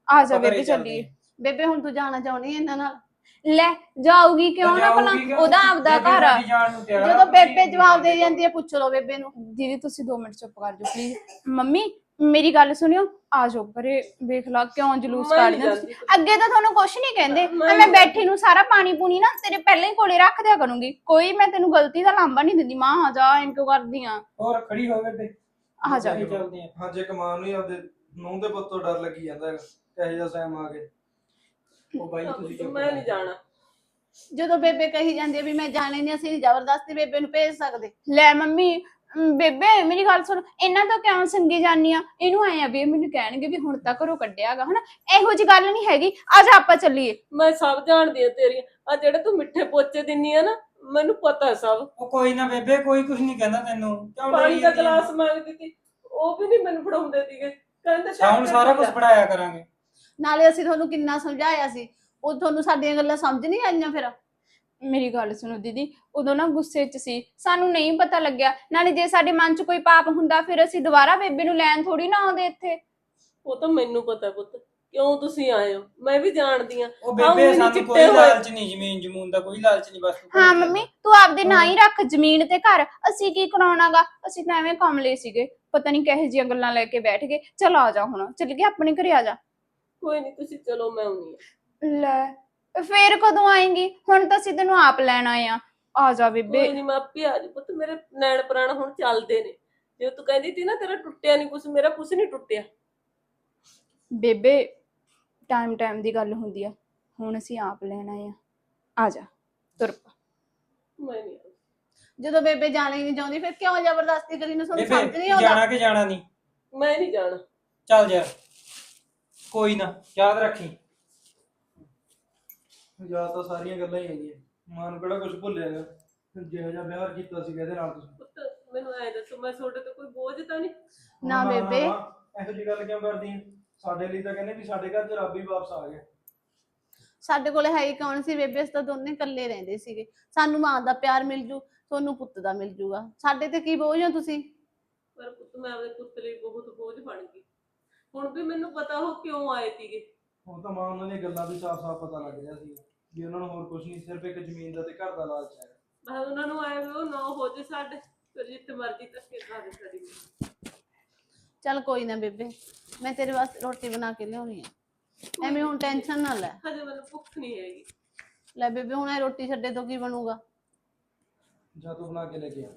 Speaker 6: ਆ ਜਾ
Speaker 2: ਆਪਾਂ ਘਰੇ
Speaker 6: ਬੇਬੇ
Speaker 2: ਚੱਲਦੇ
Speaker 6: ਚੱਲੀਏ।
Speaker 2: ਆਂ।
Speaker 3: ਬੇਬੇ ਹੁਣ ਤੂੰ ਜਾਣਾ ਚਾਹੁੰਦੀ ਹੈ ਇਹਨਾਂ ਨਾਲ?
Speaker 6: ਲੈ ਜਾਊਗੀ ਕਿਉਂ ਨਾ, ਭਲਾ
Speaker 2: ਜਾਊਗੀ ਕਿਉਂ?
Speaker 6: ਉਹਦਾ ਆਪਦਾ
Speaker 2: ਬੇਬੇ
Speaker 6: ਘਰ ਆ।
Speaker 2: ਸਾਡੀ ਜਾਣ ਨੂੰ ਤਿਆਰ ਆ,
Speaker 3: ਜਦੋਂ
Speaker 2: ਤੁਸੀਂ
Speaker 3: ਬੇਬੇ ਜਵਾਬ ਦੇ ਜਾਂਦੀ ਹੈ ਪੁੱਛ ਲਓ ਬੇਬੇ ਨੂੰ।
Speaker 6: ਦੀਦੀ ਤੁਸੀਂ 2 ਮਿੰਟ ਚੁੱਪ ਕਰ ਜਾਓ ਪਲੀਜ਼। ਮੰਮੀ ਮੇਰੀ ਗੱਲ ਸੁਣਿਓ, ਆ ਜਾਓ ਪਰੇ, ਵੇਖ ਲਾ ਕਿਉਂ ਜਲੂਸ
Speaker 4: ਮੈਂ ਨੀ
Speaker 6: ਕੱਢਦੇ ਹੋ ਤੁਸੀਂ।
Speaker 4: ਜਾਂਦੀ।
Speaker 6: ਅੱਗੇ ਤਾਂ ਤੁਹਾਨੂੰ ਕੁਛ ਨਹੀਂ ਕਹਿੰਦੇ,
Speaker 4: ਮੈਂ
Speaker 6: ਮੈਂ
Speaker 4: ਨੀ
Speaker 6: ਬੈਠੀ ਨੂੰ ਸਾਰਾ ਪਾਣੀ ਪੂਣੀ ਨਾ ਤੇਰੇ ਪਹਿਲਾਂ ਹੀ ਕੋਲੇ ਰੱਖ ਦਿਆ ਕਰੂੰਗੀ। ਕੋਈ ਮੈਂ ਤੈਨੂੰ ਗਲਤੀ ਦਾ ਲਾਂਭਾ ਨਹੀਂ ਦਿੰਦੀ। ਮਾਂ ਆ ਜਾ ਇਨਕੋ ਕਰਦੀ ਆ।
Speaker 2: ਹੋਰ ਖੜੀ ਹੋ ਬੇਬੇ,
Speaker 6: ਆ ਜਾ।
Speaker 2: ਘਰੇ ਚੱਲਦੇ ਆਂ।
Speaker 1: ਹਾਂ ਜੇ ਕਮਾਨ ਨੂੰ ਹੀ ਆਪਦੇ ਨੂੰਹ ਦੇ ਪੁੱਤ ਤੋਂ ਡਰ ਲੱਗੀ ਜਾਂਦਾ ਹੈਗਾ ਕਹੇ ਜਿਹਾ ਸੈਮ ਆ ਕੇ।
Speaker 2: ਉਹ ਬਾਈ ਤੁਸੀਂ ਚੁੱਪ
Speaker 4: ਮੈਂ ਨਹੀਂ ਜਾਣਾ।
Speaker 3: ਜਦੋਂ ਬੇਬੇ ਕਹੀ ਜਾਂਦੀ ਹੈ ਵੀ ਮੈਂ ਜਾਣੇ ਨਹੀਂ, ਅਸੀਂ ਜ਼ਬਰਦਸਤੀ ਬੇਬੇ ਨੂੰ ਭੇਜ ਸਕਦੇ।
Speaker 6: ਲੈ ਮੰਮੀ ਬੇਬੇ ਮੇਰੀ ਗੱਲ ਸੁਣ, ਇਹਨਾਂ ਤੋਂ ਕਿਉਂ ਸੰਗੀ ਜਾਨੀ ਆ? ਇਹਨੂੰ ਆਏ ਆ ਵੀ ਇਹ ਮੈਨੂੰ ਕਹਿਣਗੇ ਵੀ ਹੁਣ ਤਾਂ ਘਰੋਂ ਕੱਢਿਆਗਾ ਹਨਾ। ਇਹੋ ਜੀ ਗੱਲ ਨਹੀਂ ਹੈਗੀ। ਆ ਜਾ ਆਪਾਂ ਚੱਲੀਏ।
Speaker 4: ਮੈਂ ਸਭ ਜਾਣਦੀ ਆ ਤੇਰੀਆਂ ਆ ਜਿਹੜੇ ਤੂੰ ਮਿੱਠੇ ਪੋਚੇ ਦਿੰਨੀ ਆ ਨਾ, ਮੈਨੂੰ ਪਤਾ ਸਭ।
Speaker 2: ਉਹ ਕੋਈ ਨਾ ਬੇਬੇ, ਕੋਈ ਕੁਝ ਨਹੀਂ ਕਹਿੰਦਾ ਤੈਨੂੰ, ਕਿਉਂ
Speaker 4: ਪਾਣੀ
Speaker 2: ਡਰੀ
Speaker 4: ਦਾ
Speaker 2: ਜਾਂਦੀ ਆਂ?
Speaker 4: ਗਲਾਸ ਮੰਗਦੀ ਸੀ, ਉਹ ਵੀ ਨਹੀਂ ਮੈਨੂੰ ਫੜਾਉਂਦੇ ਸੀਗੇ, ਕਹਿੰਦੇ
Speaker 2: ਹੁਣ ਸਾਰਾ ਕੁਝ ਪੜਾਇਆ ਕਰਾਂਗੇ।
Speaker 3: ਨਾਲੇ ਅਸੀਂ ਤੁਹਾਨੂੰ ਕਿੰਨਾ ਸਮਝਾਇਆ ਸੀ, ਉਹ ਤੁਹਾਨੂੰ ਸਾਡੀਆਂ ਗੱਲਾਂ ਸਮਝ ਨਹੀਂ ਆਈਆਂ ਫਿਰ?
Speaker 6: ਮੇਰੀ ਗੱਲ ਸੁਣੋ ਦੀਦੀ, ਉਦੋਂ ਨਾ ਗੁੱਸੇ 'ਚ ਸੀ, ਸਾਨੂੰ ਨਹੀਂ ਪਤਾ ਲੱਗਿਆ। ਨਾਲੇ ਜੇ ਸਾਡੇ ਮਨ 'ਚ ਕੋਈ ਪਾਪ ਹੁੰਦਾ ਫਿਰ ਅਸੀਂ ਦੁਬਾਰਾ ਬੇਬੇ ਨੂੰ ਲੈਣ ਥੋੜੀ ਨਾ ਆਉਂਦੇ ਇੱਥੇ।
Speaker 4: ਉਹ ਤਾਂ ਮੈਨੂੰ ਪਤਾ ਪੁੱਤ, ਕਿਉਂ ਤੁਸੀਂ ਆਏ ਹੋ, ਮੈਂ ਵੀ ਜਾਣਦੀ ਆ।
Speaker 2: ਉਹ ਬੇਬੇ ਸਾਨੂੰ ਕੋਈ ਲਾਲਚ ਨਹੀਂ, ਜ਼ਮੀਨ ਜਮੂਨ ਦਾ ਕੋਈ ਲਾਲਚ ਨਹੀਂ, ਬਸ ਤੂੰ ਘਰੇ
Speaker 6: ਹਾਂ
Speaker 2: ਚੱਲ।
Speaker 6: ਮੰਮੀ ਤੂੰ ਆਪਦੇ ਨਾਂ ਹੀ ਰੱਖ ਜ਼ਮੀਨ ਤੇ ਘਰ, ਅਸੀਂ ਕੀ ਕਰਾਉਣਾਗਾ? ਅਸੀਂ ਤਾਂ ਐਵੇਂ ਕਮਲੇ ਸੀਗੇ, ਪਤਾ ਨਹੀਂ ਕਿਹੋ ਜਿਹੀਆਂ ਗੱਲਾਂ ਲੈ ਕੇ ਬੈਠ ਗਏ। ਚਲ ਆ ਜਾ ਹੁਣ, ਚੱਲ ਗਏ ਆਪਣੇ ਘਰੇ, ਆ ਜਾ।
Speaker 4: ਕੋਈ ਨਹੀਂ ਤੁਸੀਂ ਚਲੋ, ਮੈਂ ਆਉਣੀ ਆ।
Speaker 6: ਲੈ ਫੇਰ ਕਦੋਂ ਆਏਂਗੀ? ਹੁਣ ਤਾਂ ਅਸੀਂ ਤੈਨੂੰ ਆਪ ਲੈਣ ਆਏ ਆ ਜਾ ਬੇਬੇ।
Speaker 4: ਕੋਈ ਨਹੀਂ ਮੈਂ ਆਪੇ ਆ ਜੀ ਪੁੱਤ, ਮੇਰੇ ਨੈਣ ਪ੍ਰਾਣ ਹੁਣ ਚੱਲਦੇ ਨੇ। ਜੇ ਤੂੰ ਕਹਿੰਦੀ ਸੀ ਨਾ ਤੇਰਾ ਟੁੱਟਿਆ ਨਹੀਂ ਕੁਛ, ਮੇਰਾ ਕੁਛ ਨਹੀਂ ਟੁੱਟਿਆ।
Speaker 6: ਬੇਬੇ ਟਾਈਮ ਦੀ ਗੱਲ ਹੁੰਦੀ ਆ, ਹੁਣ ਅਸੀਂ ਆਪ ਲੈਣ ਆਏ ਆ ਜਾ ਤੁਰ ਪਾ।
Speaker 4: ਮੈਂ ਨਹੀਂ ਆਉਂਦੀ।
Speaker 3: ਜਦੋਂ ਬੇਬੇ ਜਾਣਾ ਹੀ ਨਹੀਂ ਚਾਹੁੰਦੀ ਫਿਰ ਕਿਉਂ ਜ਼ਬਰਦਸਤੀ ਕਰੀ? ਨੂੰ ਤੁਹਾਨੂੰ ਸਮਝ
Speaker 2: ਬੇਬੇ
Speaker 3: ਨਹੀਂ ਆਉਂਦਾ?
Speaker 2: ਜਾਣਾ ਕਿ ਜਾਣਾ ਨਹੀਂ?
Speaker 4: ਮੈਂ ਨਹੀਂ ਜਾਣਾ।
Speaker 2: ਚੱਲ ਯਾਰ, ਕੋਈ ਨਾ, ਯਾਦ ਰੱਖੀ।
Speaker 1: ਯਾਦ ਤਾਂ ਸਾਰੀਆਂ ਗੱਲਾਂ ਹੀ ਹੈਗੀਆਂ, ਮਾਂ ਨੂੰ ਕਿਹੜਾ ਕੁਝ ਭੁੱਲਿਆ ਹੈਗਾ ਜਿਹੋ ਜਿਹਾ ਵਿਆਹ ਕੀਤਾ ਸੀ ਇਹਦੇ ਨਾਲ ਤੁਸੀਂ।
Speaker 4: ਪੁੱਤ ਮੈਨੂੰ ਐ ਦੱਸੋ, ਮੈਂ ਤੁਹਾਡੇ ਤੇ ਕੋਈ ਬੋਝ ਤਾਂ ਨਹੀਂ?
Speaker 3: ਨਾ ਬੇਬੇ।
Speaker 1: ਇਹੋ ਜਿਹੀ ਗੱਲ ਕਿਉਂ ਕਰਦੀ ਹੈ? ਸਾਡੇ ਲਈ ਤਾਂ ਕਹਿੰਦੇ ਵੀ ਸਾਡੇ ਘਰ 'ਚ ਰੱਬ ਹੀ ਵਾਪਸ ਆ ਗਿਆ।
Speaker 3: ਸਾਡੇ ਕੋਲੇ ਹੈ ਹੀ ਕੌਣ ਸੀ ਬੇਬੇ? ਅਸੀਂ ਤਾਂ ਦੋਨੇ ਇਕੱਲੇ ਰਹਿੰਦੇ ਸੀਗੇ। ਸਾਨੂੰ ਮਾਂ ਦਾ ਪਿਆਰ ਮਿਲ ਜੂ, ਤੁਹਾਨੂੰ ਪੁੱਤ ਦਾ ਮਿਲ ਜੂਗਾ, ਸਾਡੇ ਤੇ ਕੀ ਬੋਝ ਹੋ ਤੁਸੀਂ?
Speaker 4: ਪਰ ਪੁੱਤ ਮੈਂ ਆਪਣੇ ਪੁੱਤ ਲਈ ਬਹੁਤ ਬੋਝ ਬਣ ਗਈ। ਹੁਣ ਵੀ ਮੈਨੂੰ ਪਤਾ ਉਹ ਕਿਉਂ ਆਏ ਸੀਗੇ।
Speaker 1: ਹੁਣ ਤਾਂ ਮਾਂ ਉਹਨਾਂ ਦੀਆਂ ਗੱਲਾਂ ਵੀ ਸਾਫ਼-ਸਾਫ਼ ਪਤਾ ਲੱਗ ਰਿਹਾ ਸੀ ਵੀ ਉਹਨਾਂ ਨੂੰ ਹੋਰ ਕੁਝ ਨਹੀਂ, ਸਿਰਫ ਇੱਕ ਜ਼ਮੀਨ ਦਾ ਤੇ ਘਰ ਦਾ ਲਾਲਚ ਹੈ।
Speaker 4: ਮੈਂ ਉਹਨਾਂ ਨੂੰ ਆਏ ਵੀ ਉਹ ਨਾ ਹੋ ਜੇ ਸਾਡੇ, ਫਿਰ ਜਿੱਥੇ ਮਰਜ਼ੀ ਧੱਕੇ ਖਾ ਦੇ ਸਾਡੀ।
Speaker 3: ਚੱਲ ਕੋਈ ਨਾ ਬੇਬੇ, ਮੈਂ ਤੇਰੇ ਵਾਸਤੇ ਰੋਟੀ ਬਣਾ ਕੇ ਲਿਆਉਣੀ ਆ, ਐਵੇਂ ਹੁਣ ਟੈਨਸ਼ਨ ਨਾ ਲੈ।
Speaker 4: ਹਜੇ ਮੈਨੂੰ ਭੁੱਖ ਨਹੀਂ ਹੈਗੀ।
Speaker 3: ਲੈ ਬੇਬੇ ਹੁਣ ਇਹ ਰੋਟੀ ਛੱਡੇ ਤੋਂ ਕੀ ਬਣੂਗਾ?
Speaker 1: ਜਾਂ ਤੂੰ ਬਣਾ ਕੇ ਲੈ ਕੇ ਆ।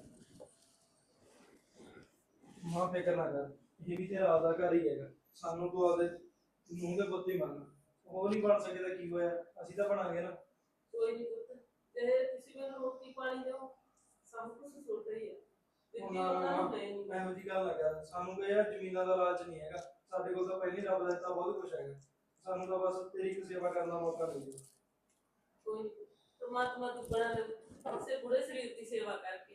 Speaker 1: ਮਾਂ ਫਿਕਰ ਨਾ ਕਰ, ਇਹ ਵੀ ਤੇਰਾ ਆਪਦਾ ਘਰ ਹੀ ਹੈਗਾ। ਸਾਨੂੰ ਤੂੰ ਆਪਦੇ ਨੂੰਹ ਦੇ ਪੁੱਤ ਹੀ ਮੰਨ, ਉਹ ਨਹੀਂ ਬਣ ਸਕੇ ਤਾਂ ਕੀ ਹੋਇਆ, ਅਸੀਂ ਤਾਂ ਬਣਾਂਗੇ ਨਾ।
Speaker 4: ਕੋਈ ਨਹੀਂ ਪੁੱਤ, ਜੇ ਤੁਸੀਂ ਮੈਨੂੰ ਰੋਟੀ ਪਾਣੀ ਦਿਓ, ਸਭ ਕੁਝ ਤੁਹਾਡਾ ਹੀ ਹੈ। ਦਿੱਤੀ ਉਹਨਾਂ ਨੂੰ ਹੈ ਨਹੀਂ।
Speaker 1: ਇਹੋ ਜਿਹੀ ਗੱਲ ਨਾ ਕਰ, ਸਾਨੂੰ ਕੋਈ ਯਾਰ ਜ਼ਮੀਨਾਂ ਦਾ ਲਾਲਚ ਨਹੀਂ ਹੈਗਾ। ਸਾਡੇ ਕੋਲ ਤਾਂ ਪਹਿਲੀ ਰੱਬ ਦਾ ਦਿੱਤਾ ਬਹੁਤ ਕੁਝ ਹੈਗਾ, ਸਾਨੂੰ ਤਾਂ ਬਸ ਤੇਰੀ ਇੱਕ ਸੇਵਾ ਕਰਨ ਦਾ ਮੌਕਾ ਮਿਲ ਜਾਵੇ।
Speaker 4: ਕੋਈ ਨਹੀਂ, ਪਰਮਾਤਮਾ ਦੁੱਗਣਾ ਦੇ, ਉਸੇ ਬੁੜੇ ਸਰੀਰ ਦੀ ਸੇਵਾ ਕਰਕੇ